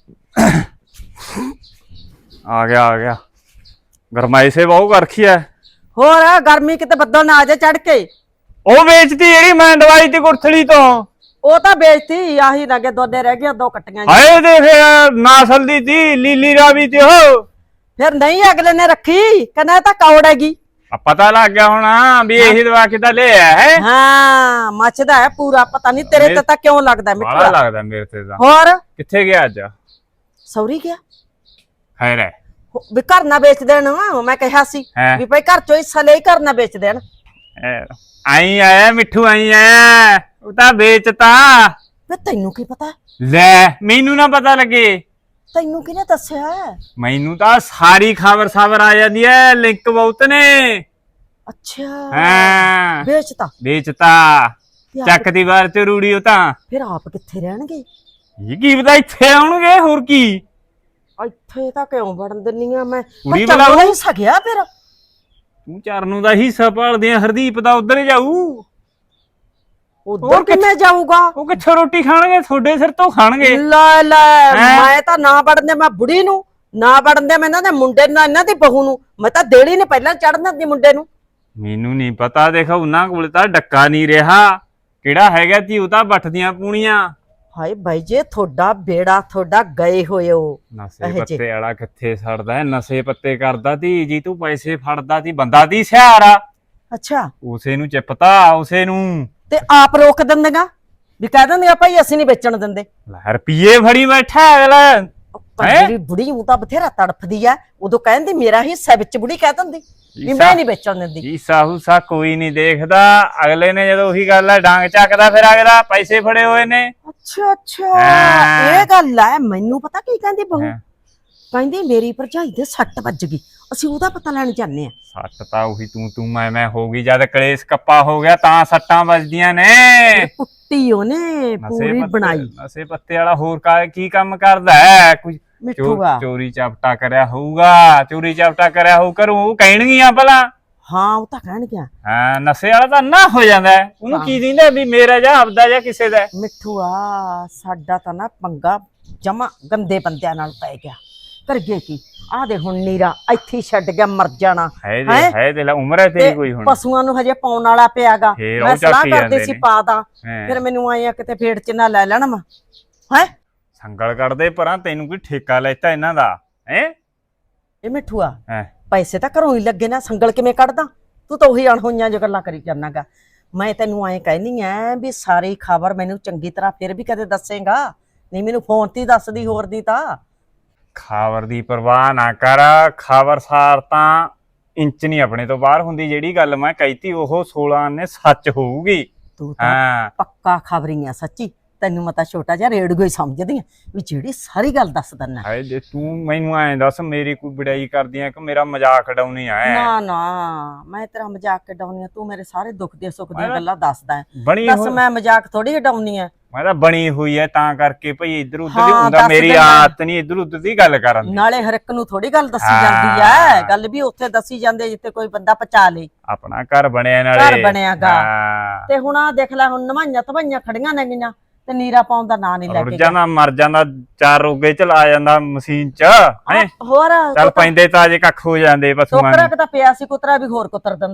Speaker 4: ਆ ਗਿਆ ਗਰਮਾਈ ਸੇ ਬਹੁ ਕਰਖੀ ਐ।
Speaker 1: ਹੋਰ ਗਰਮੀ ਕਿਤੇ ਬੱਦਲ ਨਾ ਆ ਜਾ ਚੜ ਕੇ।
Speaker 4: ਉਹ ਵੇਚਦੀ ਜਿਹੜੀ ਮੈਂ ਦਵਾਈ ਤੇ ਗੁਰਥਲੀ ਤੋਂ,
Speaker 1: ਉਹ ਤਾਂ ਵੇਚਤੀ, ਆਹੀ ਲੱਗੇ ਦੋਨੇ ਰਹਿ ਗਏ, ਦੋ ਕੱਟੀਆਂ ਜੀ।
Speaker 4: ਹਾਏ ਦੇਖ ਨਾਸਲ ਦੀ ਤੀ ਲੀਲੀ ਰਾਵੀ ਤੇ ਉਹ
Speaker 1: ਫਿਰ ਨਹੀਂ ਅਗਲੇ ਨੇ ਰੱਖੀ, ਕਹਿੰਦਾ ਇਹ ਤਾਂ ਕੌੜ ਹੈਗੀ।
Speaker 4: ਪਤਾ ਲੱਗ ਗਿਆ ਹੋਣਾ ਵੀ ਇਹੀ ਦਵਾ ਕਿਦਾ ਲੈ ਆਇਆ ਹੈ।
Speaker 1: ਹਾਂ ਮੱਚਦਾ ਹੈ ਪੂਰਾ, ਪਤਾ ਨਹੀਂ ਤੇਰੇ ਤੇ ਤਾਂ ਕਿਉਂ ਲੱਗਦਾ
Speaker 4: ਬੜਾ
Speaker 1: ਮਿੱਠੂਆ।
Speaker 4: ਲੱਗਦਾ ਮੇਰੇ ਤੇ ਤਾਂ।
Speaker 1: ਹੋਰ
Speaker 4: ਕਿੱਥੇ ਗਿਆ ਅੱਜ?
Speaker 1: ਸੌਰੀ ਗਿਆ
Speaker 4: ਖੈਰ ਹੈ
Speaker 1: ਵੀ ਘਰ ਨਾ ਵੇਚ ਦੇਣ। ਮੈਂ ਕਿਹਾ ਸੀ
Speaker 4: ਹੈਂ।
Speaker 1: ਵੀ ਭਾਈ ਘਰ ਚੋਂ ਹਿੱਸਾ ਲੈ ਘਰ ਨਾ ਵੇਚ ਦੇਣ।
Speaker 4: ਆਈ ਆਇਆ ਮਿੱਠੂ, ਆਈ ਆਇਆ, ਉਹ ਤਾਂ ਵੇਚਤਾ।
Speaker 1: ਵੇ ਤੈਨੂੰ ਕੀ ਪਤਾ?
Speaker 4: ਲੈ ਮੈਨੂੰ ਨਾ ਪਤਾ ਲੱਗੇ,
Speaker 1: ਤੈਨੂੰ ਕਿਹਨੇ ਦੱਸਿਆ?
Speaker 4: ਮੈਨੂੰ ਤਾਂ ਸਾਰੀ ਖਬਰ ਆ ਜਾਂਦੀ ਐ, ਲਿੰਕ ਬਹੁਤ ਨੇ।
Speaker 1: ਅੱਛਾ
Speaker 4: ਹਾਂ
Speaker 1: ਵੇਚਤਾ।
Speaker 4: ਵੇਚਤਾ, ਚੱਕ ਦੀ ਵਾਰ ਤੇ ਰੂੜੀ। ਉਹ ਤਾਂ
Speaker 1: ਫਿਰ ਆਪ ਕਿੱਥੇ ਰਹਿਣਗੇ?
Speaker 4: ਇਹ ਕੀ ਪਤਾ ਇੱਥੇ ਆਉਣਗੇ, ਹੋਰ ਕੀ।
Speaker 1: ਇੱਥੇ ਤਾਂ ਕਿਉਂ ਵੜਨ ਦਿੰਨੀ ਆ ਮੈਂ?
Speaker 4: ਕੁੜੀ
Speaker 1: ਬੱਚਾ
Speaker 4: ਬੁਲਾਓ।
Speaker 1: ਨਹੀਂ ਸਕਿਆ ਫਿਰ।
Speaker 4: ਤੂੰ ਚਰਨੂ ਦਾ ਹਿੱਸਾ ਭਾਲਦੇ ਆ, ਹਰਦੀਪ ਦਾ ਉਧਰ ਜਾਊ।
Speaker 1: ਉਧਰ ਕਿਵੇਂ ਜਾਊਗਾ?
Speaker 4: ਉਹ ਕਿੱਥੋਂ ਰੋਟੀ ਖਾਣਗੇ? ਤੁਹਾਡੇ ਸਿਰ ਤੋਂ ਖਾਣਗੇ।
Speaker 1: ਲੈ ਲੈ,
Speaker 4: ਹੈਂ?
Speaker 1: ਮੈਂ ਤਾਂ ਨਾ ਵੜਨ ਦੇ, ਮੈਂ ਬੁੜੀ ਨੂੰ ਨਾ ਵੜਨ ਦੇ, ਮੈਂ ਇਹਨਾਂ ਦੇ ਮੁੰਡੇ ਨੂੰ, ਇਹਨਾਂ ਦੀ ਬਹੂ ਨੂੰ ਮੈਂ ਤਾਂ ਦੇਲੀ ਨੇ ਪਹਿਲਾਂ ਚੜਨ ਦਿੰਦੀ ਮੁੰਡੇ ਨੂੰ।
Speaker 4: ਮੈਨੂੰ ਨਹੀਂ ਪਤਾ, ਦੇਖ ਉਹਨਾਂ ਕੋਲ ਤਾਂ ਡੱਕਾ ਨਹੀਂ ਰਿਹਾ, ਕਿਹੜਾ ਹੈਗਾ ਤੀ ਉਹ ਤਾਂ ਬੱਠਦੀਆਂ ਪੂਣੀਆਂ।
Speaker 1: ਹਾਏ ਬਾਈ ਜੇ ਤੁਹਾਡਾ ਬੇੜਾ ਤੁਹਾਡਾ ਗਏ ਹੋਏ ਹੋ।
Speaker 4: ਨਸ਼ੇ
Speaker 1: ਇਹੋ ਜਿਹੇ।
Speaker 4: ਪੱਤੇ ਵਾਲਾ ਕਿੱਥੇ ਸੜਦਾ ਹੈ? ਨਸ਼ੇ ਪੱਤੇ ਕਰਦਾ ਤੀ ਜੀ, ਤੂੰ ਪੈਸੇ ਫੜਦਾ ਤੀ, ਬੰਦਾ ਤੀ ਸਿਆਰਾ।
Speaker 1: ਅੱਛਾ
Speaker 4: ਉਸੇ ਨੂੰ ਚਿਪਤਾ, ਉਸੇ ਨੂੰ
Speaker 1: ਤੇ ਆਪ ਰੋਕ ਦਿੰਦੇਗਾ ਵੀ ਕਹਿ ਦਿੰਦੇ ਭਾਈ ਅਸੀਂ ਨਹੀਂ ਵੇਚਣ ਦਿੰਦੇ।
Speaker 4: ਲੈ ਰੁਪਈਏ ਫੜੀ ਬੈਠਾ ਅਗਲਾ।
Speaker 1: ਪਰ ਜਿਹੜੀ ਬੁੜੀ ਉਹ ਤਾਂ ਬਥੇਰਾ ਤੜਫਦੀ ਆ, ਉਦੋਂ ਕਹਿੰਦੀ ਮੇਰਾ ਹਿੱਸਾ ਵਿੱਚ ਬੁੜੀ ਕਹਿ ਦਿੰਦੀ ਵੀ ਮੈਂ ਨਹੀਂ ਵੇਚਣ ਦਿੰਦੀ।
Speaker 4: ਜੀ ਸਾਹੂਸਾ ਕੋਈ ਨਹੀਂ ਦੇਖਦਾ, ਅਗਲੇ ਨੇ ਜਦੋਂ ਉਹੀ ਗੱਲ ਹੈ ਡਾਂਗ ਚੱਕਦਾ, ਫਿਰ ਅਗਲਾ ਪੈਸੇ ਫੜੇ ਹੋਏ ਨੇ।
Speaker 1: ਅੱਛਾ ਅੱਛਾ
Speaker 4: ਹਾਂ।
Speaker 1: ਇਹ ਗੱਲ ਹੈ। ਮੈਨੂੰ ਪਤਾ ਕੀ ਕਹਿੰਦੀ ਬਹੂ?
Speaker 4: ਹਾਂ।
Speaker 1: ਕਹਿੰਦੀ ਮੇਰੀ ਭਰਜਾਈ ਦੇ ਸੱਟ ਵੱਜ ਗਈ, ਅਸੀਂ ਉਹਦਾ ਪਤਾ ਲੈਣ ਜਾਂਦੇ ਆ।
Speaker 4: ਸੱਟ ਤਾਂ ਉਹੀ ਤੂੰ ਮੈਂ ਹੋ ਗਈ, ਜਦ ਕਲੇਸ਼ ਕੱਪਾ ਹੋ ਗਿਆ ਤਾਂ ਸੱਟਾਂ ਵੱਜਦੀਆਂ ਨੇ।
Speaker 1: ਪੁੱਟੀ ਉਹਨੇ ਪੂਰੀ ਬਣਾਈ।
Speaker 4: ਨਸ਼ੇ ਪੱਤੇ ਵਾਲਾ ਹੋਰ ਕੀ ਕੰਮ ਕਰਦਾ ਹੈ? ਕੋਈ
Speaker 1: ਮਿੱਠੂਗਾ।
Speaker 4: ਚੋਰੀ ਚਾਪਟਾ ਕਰਿਆ ਹੋਊਗਾ, ਚੋਰੀ ਚਾਪਟਾ ਕਰਿਆ ਹੋਊ, ਕਰੂ ਉਹ ਕਹਿਣਗੀਆਂ ਭਲਾ।
Speaker 1: ਹਾਂ ਉਹ ਤਾਂ ਕਹਿਣ ਗਿਆ।
Speaker 4: ਹਾਂ ਨਸ਼ੇ ਵਾਲਾ ਤਾਂ ਨਾ ਹੋ ਜਾਂਦਾ ਹੈ, ਉਹਨੂੰ ਕੀ ਦਿੰਦਾ ਵੀ ਮੇਰਾ ਜਾਂ ਆਪਦਾ ਜਾਂ ਕਿਸੇ ਦਾ।
Speaker 1: ਮਿੱਠੂਆ ਸਾਡਾ ਤਾਂ ਨਾ ਪੰਗਾ ਜਮਾ ਗੰਦੇ ਬੰਦਿਆਂ ਨਾਲ ਪੈ ਗਿਆ। ਕਰਗੇ ਕੀ ਆ ਦੇ ਹੁਣ ਨੀਰਾ ਇੱਥੇ ਛੱਡ ਗਿਆ, ਮਰ ਜਾਣਾ।
Speaker 4: ਹੈ ਦੇ ਉਮਰ ਹੈ ਤੇਰੀ ਕੋਈ ਹੁਣ।
Speaker 1: ਪਸ਼ੂਆਂ ਨੂੰ ਹਜੇ ਪਾਉਣ ਵਾਲਾ ਪਿਆਗਾ।
Speaker 4: ਫੇਰ
Speaker 1: ਮੈਂ
Speaker 4: ਉਹ
Speaker 1: ਸਲਾਹ
Speaker 4: ਚੱਕੀ
Speaker 1: ਕਰਦੀ
Speaker 4: ਜਾਂਦੇ
Speaker 1: ਸੀ
Speaker 4: ਨੇ।
Speaker 1: ਪਾ ਦਾਂ,
Speaker 4: ਹੈਂ।
Speaker 1: ਫਿਰ ਮੈਨੂੰ ਆਏ ਆ ਕਿਤੇ ਫੇੜ ਚ ਨਾ ਲੈ ਲੈਣ ਮੈਂ। ਹੈ
Speaker 4: ਸੰਗਲ ਕੱਢਦੇ ਪਰਾਂ, ਤੈਨੂੰ ਕੋਈ ਠੇਕਾ ਲੈਤਾ ਇਹਨਾਂ ਦਾ ਹੈ?
Speaker 1: ਇਹ ਮਿੱਠੂਆ
Speaker 4: ਹੈ
Speaker 1: ਪੈਸੇ ਤਾਂ ਘਰੋਂ ਹੀ ਲੱਗੇ ਨਾ, ਸੰਗਲ ਕਿਵੇਂ ਕੱਢਦਾ? ਤੂੰ ਤਾਂ ਉਹੀ ਅਣਹੋਈਆਂ ਜੋ ਗੱਲਾਂ ਕਰੀ ਜਾਣਾਗਾ। ਮੈਂ ਤੈਨੂੰ ਐਂ ਕਹਿੰਦੀ ਐ ਵੀ ਸਾਰੀ ਖਬਰ ਮੈਨੂੰ ਚੰਗੀ ਤਰ੍ਹਾਂ ਫਿਰ ਵੀ ਕਦੇ ਦੱਸੇਗਾ, ਨਹੀਂ ਮੈਨੂੰ ਫੋਨ ਤੇ ਹੀ ਦੱਸਦੀ, ਹੋਰ ਦੀ ਤਾਂ।
Speaker 4: ਖਬਰ ਦੀ ਪਰਵਾਹ ਨਾ ਕਰ, ਖਬਰਸਾਰ ਤਾਂ ਇੰਚ ਨਹੀਂ ਆਪਣੇ ਤੋਂ ਬਾਹਰ ਹੁੰਦੀ। ਜਿਹੜੀ ਗੱਲ ਮੈਂ ਕਹੀਤੀ ਉਹ 16 ਨੇ ਸੱਚ ਹੋਊਗੀ।
Speaker 1: ਤੂੰ ਤਾਂ
Speaker 4: ਹਾਂ
Speaker 1: ਪੱਕਾ ਖਬਰੀ ਆ ਸੱਚੀ। ਤੈਨੂੰ ਮੈਂ ਤਾਂ ਛੋਟਾ ਜਿਹਾ ਰੇਡੀਓ ਹੀ ਸਮਝਦੀ ਆ ਵੀ ਜਿਹੜੀ ਸਾਰੀ ਗੱਲ ਦੱਸ ਦਿੰਨਾ।
Speaker 4: ਹਾਏ ਜੇ ਤੂੰ ਮੈਨੂੰ ਐਂ ਦੱਸ, ਮੇਰੀ ਕੋਈ ਬੜਾਈ ਕਰਦੀ ਆ ਕਿ ਮੇਰਾ ਮਜ਼ਾਕ ਉਡਾਉਣੀ ਆ?
Speaker 1: ਨਾ ਨਾ ਮੈਂ ਤੇਰਾ ਮਜ਼ਾਕ ਕਢਾਉਣੀ ਆ, ਤੂੰ ਮੇਰੇ ਸਾਰੇ ਦੁੱਖ ਦੇ ਸੁੱਖ ਦੀਆਂ
Speaker 4: ਮੈਂ
Speaker 1: ਗੱਲਾਂ ਦੱਸਦਾ।
Speaker 4: ਬਣੀ
Speaker 1: ਦੱਸ ਮੈਂ ਮਜ਼ਾਕ ਥੋੜੀ ਕਢਾਉਣੀ ਆ।
Speaker 4: ਮੈਂ ਤਾਂ ਬਣੀ ਹੋਈ ਐ ਤਾਂ ਕਰਕੇ ਭਈ ਇੱਧਰ ਉੱਧਰ
Speaker 1: ਹਾਂ,
Speaker 4: ਦੀ ਹੁੰਦਾ,
Speaker 1: ਦੱਸ
Speaker 4: ਮੇਰੀ
Speaker 1: ਦੇ ਮੈਂ।
Speaker 4: ਆਦਤ ਨਹੀਂ ਇੱਧਰ ਉੱਧਰ ਦੀ ਗੱਲ ਕਰਨ ਦੀ।
Speaker 1: ਨਾਲੇ ਹਰ ਇੱਕ ਨੂੰ ਥੋੜੀ ਗੱਲ ਦੱਸੀ
Speaker 4: ਹਾਂ।
Speaker 1: ਜਾਂਦੀ ਐ, ਗੱਲ ਵੀ ਉੱਥੇ ਦੱਸੀ ਜਾਂਦੀ ਜਿੱਥੇ ਕੋਈ ਬੰਦਾ ਪਚਾ ਲੇ।
Speaker 4: ਆਪਣਾ ਘਰ ਬਣਿਆ ਨਾਲੇ।
Speaker 1: ਘਰ ਬਣਿਆਗਾ।
Speaker 4: ਹਾਂ।
Speaker 1: ਤੇ ਹੁਣ ਆ ਦੇਖ ਲੈ, ਹੁਣ ਨਵਾਈਆਂ ਧਵਾਈਆਂ ਖੜੀਆਂ ਨੇ ਗਈਆਂ ਤੇ ਨੀਰਾ ਪਾਉਣ ਦਾ ਨਾਂ ਨਹੀਂ ਲੈ
Speaker 4: ਰੁੜ
Speaker 1: ਕੇ
Speaker 4: ਜਾਂਦਾ, ਮਰ ਜਾਂਦਾ, 4 ਰੋਗੇ ਚਲਾ ਜਾਂਦਾ ਮਸ਼ੀਨ ਚ ਹੈ।
Speaker 1: ਹੋਰ
Speaker 4: ਚੱਲ ਪੈਂਦੇ ਤਾਜੇ ਕੱਖ ਹੋ ਜਾਂਦੇ ਪਸ਼ੂਆਂ
Speaker 1: ਟੋਕਰਾ
Speaker 4: ਨੂੰ।
Speaker 1: ਕਿ ਤਾਂ ਪਿਆ ਸੀ, ਕੁਤਰਾ ਵੀ ਹੋਰ ਕੁਤਰ ਦਿੰਦਾ।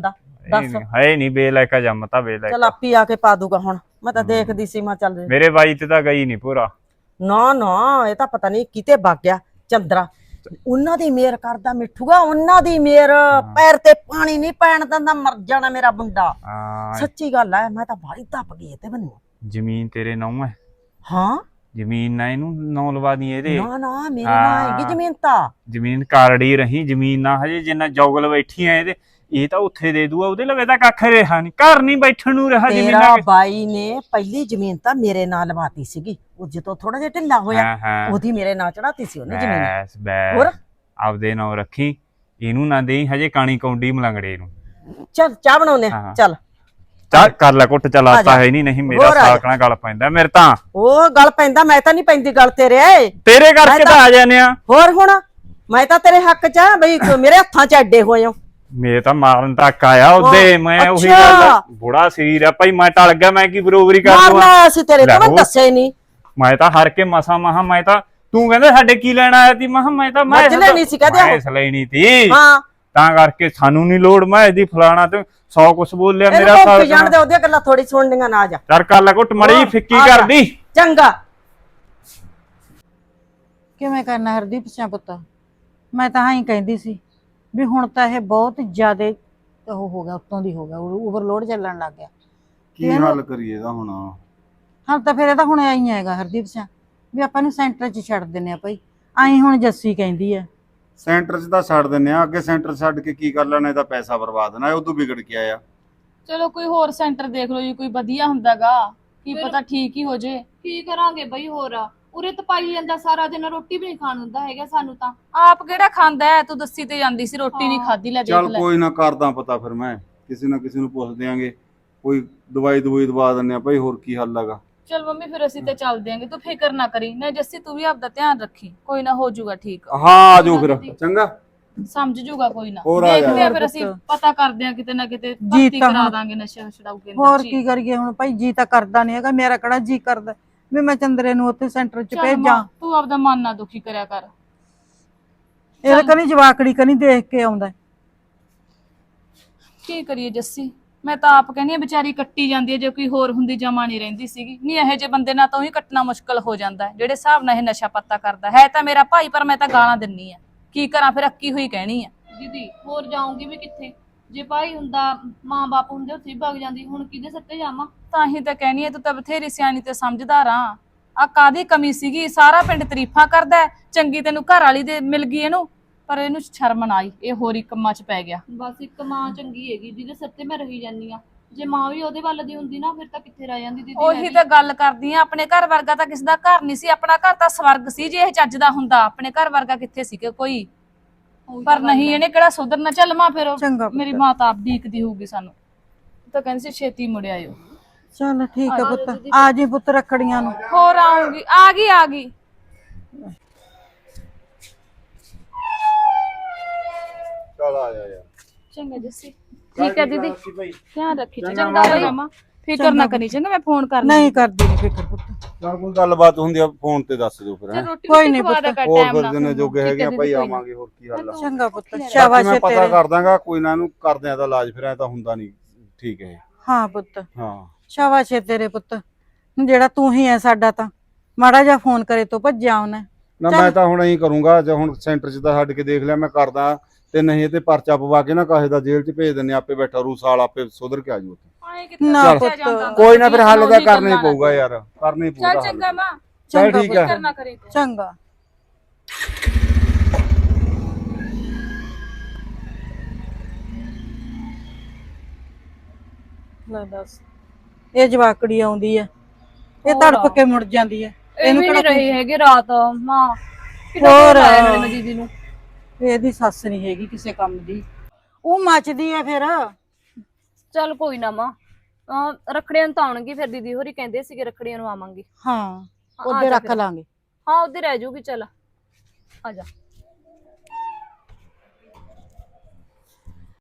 Speaker 1: ਦੱਸ।
Speaker 4: ਹੈ ਨਹੀਂ ਬੇਲਾਇਕਾ ਜੰਮਤਾ
Speaker 1: ਚਲ
Speaker 4: ਬੇਲਾਇਕਾ।
Speaker 1: ਆਪੀ ਆ ਕੇ ਪਾ ਦੂਗਾ ਹੁਣ। ਮੈਂ ਤਾਂ ਦੇਖਦੀ ਸੀ ਮੈਂ ਚੱਲ
Speaker 4: ਮੇਰੇ ਬਾਈ ਤੇ ਤਾਂ ਗਈ ਨਹੀਂ ਪੂਰਾ।
Speaker 1: ਨਾ ਨਾ ਇਹ ਤਾਂ ਪਤਾ ਨਹੀਂ ਕਿਤੇ ਵਗ ਗਿਆ ਚੰਦਰਾ। ਉਹਨਾਂ ਦੀ ਮੇਰ ਕਰਦਾ ਮਿੱਠੂਗਾ, ਉਹਨਾਂ ਦੀ ਮੇਰ। ਪੈਰ ਤੇ ਪਾਣੀ ਨਹੀਂ ਪੈਣ ਦਿੰਦਾ, ਮਰ ਜਾਣਾ ਮੇਰਾ ਮੁੰਡਾ।
Speaker 4: ਹਾਂ
Speaker 1: ਸੱਚੀ ਗੱਲ ਹੈ, ਮੈਂ ਤਾਂ ਬਾਹਲੀ ਧੱਪ ਗਈ ਤੇ ਮੈਨੂੰ।
Speaker 4: ਜ਼ਮੀਨ ਤੇਰੇ ਨਾਂ ਹੈ।
Speaker 1: ਹਾਂ
Speaker 4: ਜ਼ਮੀਨ ਨਾ ਇਹਨੂੰ ਨਾਂ ਲਵਾ ਦੀ ਇਹਦੇ।
Speaker 1: ਨਾ ਨਾ ਮੇਰੇ ਨਾਲ ਹੈਗੀ ਜ਼ਮੀਨ ਤਾਂ।
Speaker 4: ਜ਼ਮੀਨ ਕਾਰੜੀ ਰਹੀ, ਜ਼ਮੀਨ ਨਾ ਹਜੇ ਜਿੰਨਾ ਜੋਗਲ ਬੈਠੀ ਆ ਇਹਦੇ, ਇਹ ਤਾਂ ਉੱਥੇ ਦੇ ਦੂਆ। ਉਹਦੇ ਲਵੇ ਤਾਂ ਕੱਖ ਰਿਹਾ ਨਹੀਂ, ਘਰ ਨਹੀਂ ਬੈਠਣ ਨੂੰ ਰਿਹਾ
Speaker 1: ਤੇਰਾ
Speaker 4: ਜ਼ਮੀਨਾਂ।
Speaker 1: ਬਾਈ ਨੇ ਪਹਿਲੀ ਜ਼ਮੀਨ ਤਾਂ ਮੇਰੇ ਨਾਲ ਲਵਾਤੀ ਸੀਗੀ। ਉਹ ਜਦੋਂ ਥੋੜਾ ਜਿਹਾ ਢਿੱਲਾ ਹੋਇਆ
Speaker 4: ਹਾਂ ਹਾਂ
Speaker 1: ਉਹਦੀ ਮੇਰੇ ਨਾਲ ਚੜਾਤੀ ਸੀ ਉਹਨੇ ਜ਼ਮੀਨ।
Speaker 4: ਬੈਸ
Speaker 1: ਹੋਰ?
Speaker 4: ਬੈਸ ਆਪਦੇ ਨਾਂ ਰੱਖੀ, ਇਹਨੂੰ ਨਾ ਦੇਈ ਹਜੇ ਕਾਣੀ ਕੌਂਡੀ ਮਲੰਗੜੇ ਨੂੰ।
Speaker 1: ਚੱਲ ਚਾਹ ਬਣਾਉਨੇ
Speaker 4: ਹਾਂ।
Speaker 1: ਚੱਲ
Speaker 4: ਚੱਲ ਕਰ ਲੈ ਕੁੱਟ, ਚਲਾ
Speaker 1: ਆ ਜਾ।
Speaker 4: ਤਾ ਹੈ ਨਹੀਂ ਮੇਰਾ
Speaker 1: ਹੋਰ ਆ ਜਾ।
Speaker 4: ਸਾਕਣਾ ਗੱਲ ਪੈਂਦਾ ਮੇਰੇ ਤਾਂ।
Speaker 1: ਉਹ ਗੱਲ ਪੈਂਦਾ, ਮੈਂ ਤਾਂ ਨਹੀਂ ਪੈਂਦੀ ਗੱਲ ਤੇਰੇ।
Speaker 4: ਤੇਰੇ ਕਰਕੇ ਤਾਂ ਆ ਜਾਂਦੇ ਆ।
Speaker 1: ਹੋਰ ਹੁਣ ਮੈਂ ਤਾਂ ਤੇਰੇ ਹੱਕ ਚ ਆ ਬਈ, ਮੇਰੇ ਹੱਥਾਂ ਚ ਐਡੇ ਹੋਏ ਹੋ।
Speaker 4: ਮੇਰੇ ਤਾਂ ਮਾਰਨ ਤੱਕ ਆਇਆ ਉਹਦੇ। ਮੈਂ ਉਹੀ
Speaker 1: ਅੱਛਾ।
Speaker 4: ਗੱਲ, ਬੁੜਾ ਸਰੀਰ ਆ ਭਾਈ, ਮੈਂ ਟਲ ਗਿਆ। ਮੈਂ ਕੀ ਬਰੋਬਰੀ ਕਰ ਦੂੰ?
Speaker 1: ਮਾਰਨਾ ਸੀ ਤੇਰੇ
Speaker 4: ਲੈ
Speaker 1: ਤੋਂ, ਮੈਂ
Speaker 4: ਹੋਰ।
Speaker 1: ਦੱਸਿਆ ਹੀ ਨਹੀਂ।
Speaker 4: ਮੈਂ ਤਾਂ ਹਰ ਕੇ ਮਸਾ ਮਹਾ, ਮੈਂ ਤਾਂ ਤੂੰ ਕਹਿੰਦਾ ਸਾਡੇ ਕੀ ਲੈਣਾ ਆਇਆ ਤੀ, ਮੈਂ ਤਾਂ
Speaker 1: ਮੱਝ ਲੈਣੀ ਸੀ ਕਹਦੇ
Speaker 4: ਮੈਂ ਇਸ ਲੈਣੀ ਤੀ।
Speaker 1: ਹਾਂ
Speaker 4: ਤਾਂ ਕਰਕੇ ਸਾਨੂੰ ਨਹੀਂ ਲੋੜ, ਮੈਂ ਇਹਦੀ ਫਲਾਣਾ ਤੇ 100 ਕੁਛ ਬੋਲਿਆ ਮੇਰਾ
Speaker 1: ਇਹਨੂੰ
Speaker 4: ਸਾਲ
Speaker 1: ਜਾਣਦੇ ਉਹਦੀਆਂ ਗੱਲਾਂ ਥੋੜੀ ਸੁਣਨੀਆਂ ਨਾ। ਜਾ
Speaker 4: ਚਰ ਕਰ ਲੈ ਕੁੱਟ, ਮੜੀ ਫਿੱਕੀ
Speaker 1: ਆ ਜਾ।
Speaker 4: ਕਰਦੀ।
Speaker 1: ਚੰਗਾ।
Speaker 6: ਕਿਵੇਂ ਕਰਨਾ ਹਰਦੀਪ ਸਿੰਘ ਪੁੱਤ? ਮੈਂ ਤਾਂ ਹਾਂ ਹੀ ਕਹਿੰਦੀ ਸੀ ਵੀ ਹੁਣ ਤਾਂ ਇਹ ਬਹੁਤ ਜ਼ਿਆਦਾ ਉਹ ਹੋ ਗਿਆ, ਉੱਤੋਂ ਦੀ ਹੋ ਗਿਆ, ਓਵਰਲੋਡ ਚੱਲਣ ਲੱਗ ਗਿਆ।
Speaker 7: ਕੀ ਹੱਲ ਕਰੀਏ ਇਹਦਾ ਹੁਣ?
Speaker 6: ਹਾਂ ਤਾਂ ਫਿਰ ਇਹ ਤਾਂ ਹੁਣ ਆਈ ਹੈਗਾ ਹਰਦੀਪ ਸਿੰਘ ਵੀ ਆਪਾਂ ਨੂੰ ਸੈਂਟਰ 'ਚ ਛੱਡ ਦਿੰਨੇ ਆ ਭਾਈ। ਆਈ ਹੁਣ ਜੱਸੀ ਕਹਿੰਦੀ ਆ
Speaker 7: ਸੈਂਟਰ 'ਚ ਤਾਂ ਛੱਡ ਦਿੰਨੇ ਆ, ਅੱਗੇ ਸੈਂਟਰ ਛੱਡ ਕੇ ਕੀ ਕਰ ਲੈਣਾ? ਇਹਦਾ ਪੈਸਾ ਬਰਬਾਦ ਨਾ, ਉਦੋਂ ਵਿਗੜ ਕੇ ਆਇਆ।
Speaker 2: ਚਲੋ ਕੋਈ ਹੋਰ ਸੈਂਟਰ ਦੇਖ ਲਓ ਜੀ, ਕੋਈ ਵਧੀਆ ਹੁੰਦਾਗਾ, ਕੀ
Speaker 5: ਫਿਰ-
Speaker 2: ਪਤਾ ਠੀਕ ਹੀ ਹੋ ਜੇ।
Speaker 5: ਕੀ ਕਰਾਂਗੇ ਬਈ ਹੋਰ? ਉਰੇ ਤਪਾਈ ਜਾਂਦਾ ਸਾਰਾ ਦਿਨ, ਰੋਟੀ ਵੀ ਨਹੀਂ ਖਾਣ ਹੁੰਦਾ ਹੈਗਾ ਸਾਨੂੰ ਤਾਂ।
Speaker 2: ਆਪ ਕਿਹੜਾ ਖਾਂਦਾ ਹੈ? ਤੂੰ ਦੱਸੀ ਤੇ ਜਾਂਦੀ ਸੀ ਰੋਟੀ ਨਹੀਂ ਖਾਦੀ। ਲੈ ਦੇਖ
Speaker 7: ਚੱਲ
Speaker 2: ਲੈ।
Speaker 7: ਕੋਈ ਨਾ, ਕਰਦਾ ਪਤਾ ਫਿਰ ਮੈਂ ਕਿਸੇ ਨਾ ਕਿਸੇ ਨੂੰ ਪੁੱਛ ਦਿਆਂਗੇ, ਕੋਈ ਦਵਾਈ ਦਵਾ ਦਿੰਨੇ ਆ ਭਾਈ, ਹੋਰ ਕੀ ਹੱਲ ਹੈਗਾ।
Speaker 2: ਚਲ ਮੰਮੀ ਫਿਰ ਅਸੀਂ ਤੇ ਚੱਲ ਦਿਆਂਗੇ, ਤੂੰ ਫਿਕਰ ਨਾ ਕਰੀ। ਨਾ ਜੱਸੀ ਤੂੰ ਵੀ ਆਪਦਾ ਧਿਆਨ ਰੱਖੀ, ਕੋਈ ਨਾ ਹੋ ਜਾਊਗਾ ਠੀਕ।
Speaker 7: ਹਾਂ ਆ ਜਾਓ ਫਿਰ, ਚੰਗਾ।
Speaker 2: ਸਮਝ ਜੂਗਾ ਕੋਈ ਨਾ।
Speaker 7: ਹੋਰ ਆ
Speaker 2: ਦੇਖਦੇ ਆ
Speaker 6: ਜਾ।
Speaker 2: ਫਿਰ ਅਸੀਂ ਪਤਾ ਕਰਦੇ ਆ ਕਿਤੇ ਨਾ ਕਿਤੇ,
Speaker 6: ਜੀ
Speaker 2: ਭਰਤੀ
Speaker 6: ਤਾਂ
Speaker 2: ਕਰਾ
Speaker 6: ਹੁਣ-
Speaker 2: ਦਾਂਗੇ ਨਸ਼ਾ ਛਡਾਊ ਕੇਂਦਰ
Speaker 6: ਹੋਰ
Speaker 2: ਚ ਹੀ।
Speaker 6: ਕੀ ਕਰੀਏ ਹੁਣ ਭਾਈ? ਜੀ ਤਾਂ ਕਰਦਾ ਨਹੀਂ ਹੈਗਾ, ਮੇਰਾ ਕਿਹੜਾ ਜੀ ਕਰਦਾ ਵੀ ਮੈਂ ਚੰਦਰੇ ਨੂੰ ਉੱਥੇ ਸੈਂਟਰ 'ਚ
Speaker 2: ਚੱਲ
Speaker 6: ਭੇਜਾਂ।
Speaker 2: ਮਾਂ, ਤੂੰ ਆਪਦਾ ਮਨ ਨਾ ਦੁਖੀ ਕਰਿਆ ਕਰ।
Speaker 6: ਇਹਦੇ ਕਨੀ ਜਵਾਕੜੀ ਕਨੀ ਦੇਖ ਕੇ ਆਉਂਦਾ।
Speaker 2: ਕੀ ਕਰੀਏ ਜੱਸੀ, ਮੈਂ ਤਾਂ ਆਪ ਕਹਿੰਦੀ ਆ ਵਿਚਾਰੀ ਕੱਟੀ ਜਾਂਦੀ ਹੈ। ਜੇ ਕੋਈ ਹੋਰ ਹੁੰਦੀ ਜਮਾ ਨਹੀਂ ਰਹਿੰਦੀ ਸੀਗੀ। ਨਹੀਂ ਇਹੋ ਜਿਹੇ ਬੰਦੇ ਨਾਲ ਤਾਂ ਹੀ ਕੱਟਣਾ ਮੁਸ਼ਕਲ ਹੋ ਜਾਂਦਾ ਹੈ, ਜਿਹੜੇ ਹਿਸਾਬ ਨਾਲ ਇਹ ਨਸ਼ਾ ਪੱਤਾ ਕਰਦਾ ਹੈ। ਤਾਂ ਮੇਰਾ ਭਾਈ, ਪਰ ਮੈਂ ਤਾਂ ਗਾਲਾਂ ਦਿੰਨੀ ਆ। ਕੀ ਕਰਾਂ ਫਿਰ, ਅੱਕੀ ਹੋਈ ਕਹਿਣੀ ਆ।
Speaker 5: ਦੀਦੀ ਹੋਰ ਜਾਊਂਗੀ ਵੀ ਕਿੱਥੇ? ਜੇ ਭਾਈ ਹੁੰਦਾ, ਮਾਂ ਬਾਪ ਹੁੰਦੇ, ਉੱਥੇ ਹੀ ਭੱਗ ਜਾਂਦੀ। ਹੁਣ ਕਿਹਦੇ ਸੱਤੇ ਜਾਵਾਂ?
Speaker 2: ਤਾਂ ਹੀ ਤਾਂ ਕਹਿਣੀ ਆ, ਤੂੰ ਤਾਂ ਬਥੇਰੀ ਸਿਆਣੀ ਤੇ ਸਮਝਦਾਰ ਆ ਕਾਦੀ ਕਮੀ ਸੀਗੀ? ਸਾਰਾ ਪਿੰਡ ਤਾਰੀਫਾਂ ਕਰਦਾ ਹੈ, ਚੰਗੀ ਤੈਨੂੰ ਘਰ ਵਾਲੀ ਦੇ ਮਿਲ ਗਈ ਇਹਨੂੰ, ਪਰ ਇਹਨੂੰ ਸ਼ਰਮ ਨਾ ਆਈ, ਇਹ ਹੋਰ ਹੀ ਕੰਮਾਂ 'ਚ ਪੈ ਗਿਆ।
Speaker 5: ਬਸ ਇੱਕ ਮਾਂ ਚੰਗੀ ਹੈਗੀ ਜਿਹਦੇ ਸੱਤੇ ਮੈਂ ਰਹੀ ਜਾਂਦੀ ਆ। ਜੇ ਮਾਂ ਵੀ ਉਹਦੇ ਵੱਲ ਦੀ ਹੁੰਦੀ ਨਾ, ਫਿਰ ਤਾਂ ਕਿੱਥੇ ਰਹਿ ਜਾਂਦੀ ਦੀਦੀ।
Speaker 2: ਉਹੀ ਤਾਂ ਗੱਲ ਕਰਦੀ ਆ, ਆਪਣੇ ਘਰ ਵਰਗਾ ਤਾਂ ਕਿਸੇ ਦਾ ਘਰ ਨਹੀਂ ਸੀ। ਆਪਣਾ ਘਰ ਤਾਂ ਸਵਰਗ ਸੀ ਜੇ ਇਹ ਚੱਜ ਦਾ ਹੁੰਦਾ। ਆਪਣੇ ਘਰ ਵਰਗਾ ਕਿੱਥੇ ਸੀ ਕੋਈ? ਪਰ ਨਹੀਂ, ਇਹਨੇ ਕਿਹੜਾ ਸੁਧਰਨਾ। ਚੱਲ ਮਾਂ ਫਿਰ,
Speaker 6: ਚੰਗਾ ਪੁੱਤ।
Speaker 2: ਮੇਰੀ ਮਾਂ ਤਾਂ ਆਪ ਡੀਕਦੀ ਹੋਊਗੀ ਸਾਨੂੰ, ਤਾਂ ਕਹਿੰਦੀ ਸੀ ਛੇਤੀ ਮੁੜ ਆਇਓ।
Speaker 6: ਚਲ ਠੀਕ ਹੈ ਪੁੱਤ, ਆ ਜੀ ਪੁੱਤ ਰੱਖੜੀਆਂ ਨੂੰ।
Speaker 2: ਹੋਰ ਆਉਂਗੀ, ਆ ਗਈ।
Speaker 7: ਚੱਲ ਆ ਜਾ ਯਾਰ।
Speaker 2: ਚੰਗਾ ਜੱਸੀ, ਠੀਕ ਹੈ ਦੀਦੀ, ਧਿਆਨ ਰੱਖੀ।
Speaker 7: ਚੰਗਾ
Speaker 2: ਚੰਗਾ
Speaker 7: ਮਾਂ।
Speaker 2: ਮਾਂ, ਫਿਕਰ ਨਾ ਕਰੀ। ਚੰਗਾ ਮੈਂ ਫੋਨ ਕਰ
Speaker 6: ਨਹੀਂ ਕਰਦੀ ਨਹੀਂ ਫਿਕਰ ਪੁੱਤ।
Speaker 7: ਚੱਲ ਕੋਈ ਗੱਲਬਾਤ ਹੁੰਦੀ ਆ ਫੋਨ ਤੇ ਦੱਸ ਦਿਓ ਫਿਰ। ਹੈਂ।
Speaker 2: ਰੋਟੀ
Speaker 6: ਕੋਈ
Speaker 2: ਕੋਈ
Speaker 6: ਨਹੀਂ
Speaker 2: ਨਹੀਂ
Speaker 6: ਪੁੱਤ।
Speaker 7: ਹੋਰ ਫਿਰ ਜਿਹਨੇ ਜੋਗੇ ਹੈਗੇ ਆ ਭਾਈ, ਆਵਾਂਗੇ, ਹੋਰ ਕੀ ਹੱਲ ਆ।
Speaker 6: ਚੰਗਾ ਪੁੱਤ,
Speaker 7: ਬਾਕੀ
Speaker 6: ਸ਼ਾਬਾਸ਼
Speaker 7: ਮੈਂ
Speaker 6: ਏ
Speaker 7: ਪਤਾ
Speaker 6: ਤੇਰੇ।
Speaker 7: ਕਰ ਦਾਂਗਾ, ਕੋਈ ਨਾ, ਇਹਨੂੰ ਕਰਦੇ ਆ ਤਾਂ ਇਲਾਜ, ਫਿਰ ਐ ਤਾਂ ਹੁੰਦਾ ਨਹੀਂ ਠੀਕ ਹੈ।
Speaker 6: ਹਾਂ ਪੁੱਤ,
Speaker 7: ਹਾਂ
Speaker 6: ਸ਼ਾਬਾਸ਼ ਏ ਤੇਰੇ ਪੁੱਤ, ਜਿਹੜਾ ਤੂੰ ਹੀ ਹੈ ਸਾਡਾ। ਤਾਂ ਮਾੜਾ ਜਿਹਾ ਫੋਨ ਕਰੇ ਤੋਂ ਭੱਜਿਆ ਉਹਨੇ।
Speaker 7: ਨਾ ਮੈਂ ਤਾਂ ਹੁਣ ਐਂ ਕਰੂੰਗਾ, ਜੇ ਹੁਣ ਸੈਂਟਰ 'ਚ ਤਾਂ ਛੱਡ ਕੇ ਦੇਖ ਲਿਆ, ਮੈਂ ਕਰਦਾ ਤੇ ਨਹੀਂ ਤੇ ਪਰਚਾ ਪਵਾ ਕੇ ਨਾ ਕਾਹੇ ਦਾ ਜੇਲ੍ਹ 'ਚ ਭੇਜ ਦਿੰਨੇ, ਆਪੇ ਬੈਠਾ ਰੂ ਸਾਲ, ਆਪੇ ਸੁਧਰ ਕੇ ਆ ਜੂ ਉੱਥੇ।
Speaker 6: ਨਾ
Speaker 7: ਚੱਲ,
Speaker 6: ਪੁੱਤ,
Speaker 7: ਕੋਈ ਨਾ, ਫਿਰ ਹੱਲ ਤਾਂ ਕਰਨਾ ਹੀ ਪਊਗਾ ਯਾਰ, ਕਰਨਾ ਹੀ ਪਊਗਾ
Speaker 2: ਚੱਲ
Speaker 7: ਹੱਲ।
Speaker 2: ਚੰਗਾ ਮਾਂ,
Speaker 7: ਚੱਲ
Speaker 6: ਚੰਗਾ
Speaker 7: ਠੀਕ ਹੈ।
Speaker 2: ਫਿਕਰ ਨਾ ਕਰੀ ਤੂੰ।
Speaker 6: ਚੰਗਾ। ਲੈ ਦੱਸ, ਇਹ ਜਵਾਕੜੀ ਆਉਂਦੀ ਹੈ, ਇਹ ਤੜਪ ਕੇ ਮੁੜ ਜਾਂਦੀ ਹੈ।
Speaker 5: ਇਹ ਵੀ ਨਹੀਂ
Speaker 6: ਕਿਹੜਾ
Speaker 5: ਰਹੇ ਹੈਗੇ ਰਾਤ ਮਾਂ।
Speaker 6: ਹੋਰ
Speaker 5: ਮੈਂ ਦੀਦੀ ਨੂੰ
Speaker 6: ਇਹਦੀ ਸੱਸ ਨਹੀਂ ਹੈਗੀ ਕਿਸੇ ਕੰਮ ਦੀ, ਉਹ ਮੱਚਦੀ ਹੈ ਫਿਰ।
Speaker 5: ਚੱਲ ਕੋਈ ਨਾ ਮਾਂ, ਰੱਖੜੀਆਂ ਨੂੰ ਤਾਂ ਆਉਣਗੀ ਫਿਰ। ਦੀਦੀ ਹੋਰੀ ਕਹਿੰਦੇ ਸੀਗੇ ਰੱਖੜੀਆਂ ਨੂੰ ਆਵਾਂਗੇ।
Speaker 6: ਹਾਂ, ਉਹਦੇ
Speaker 5: ਜਾ
Speaker 6: ਰੱਖ
Speaker 5: ਫਿਰ।
Speaker 6: ਲਾਂਗੇ।
Speaker 5: ਹਾਂ ਉਹਦੇ ਰਹਿ ਜਾਊਗੀ। ਚੱਲ ਆ ਜਾ।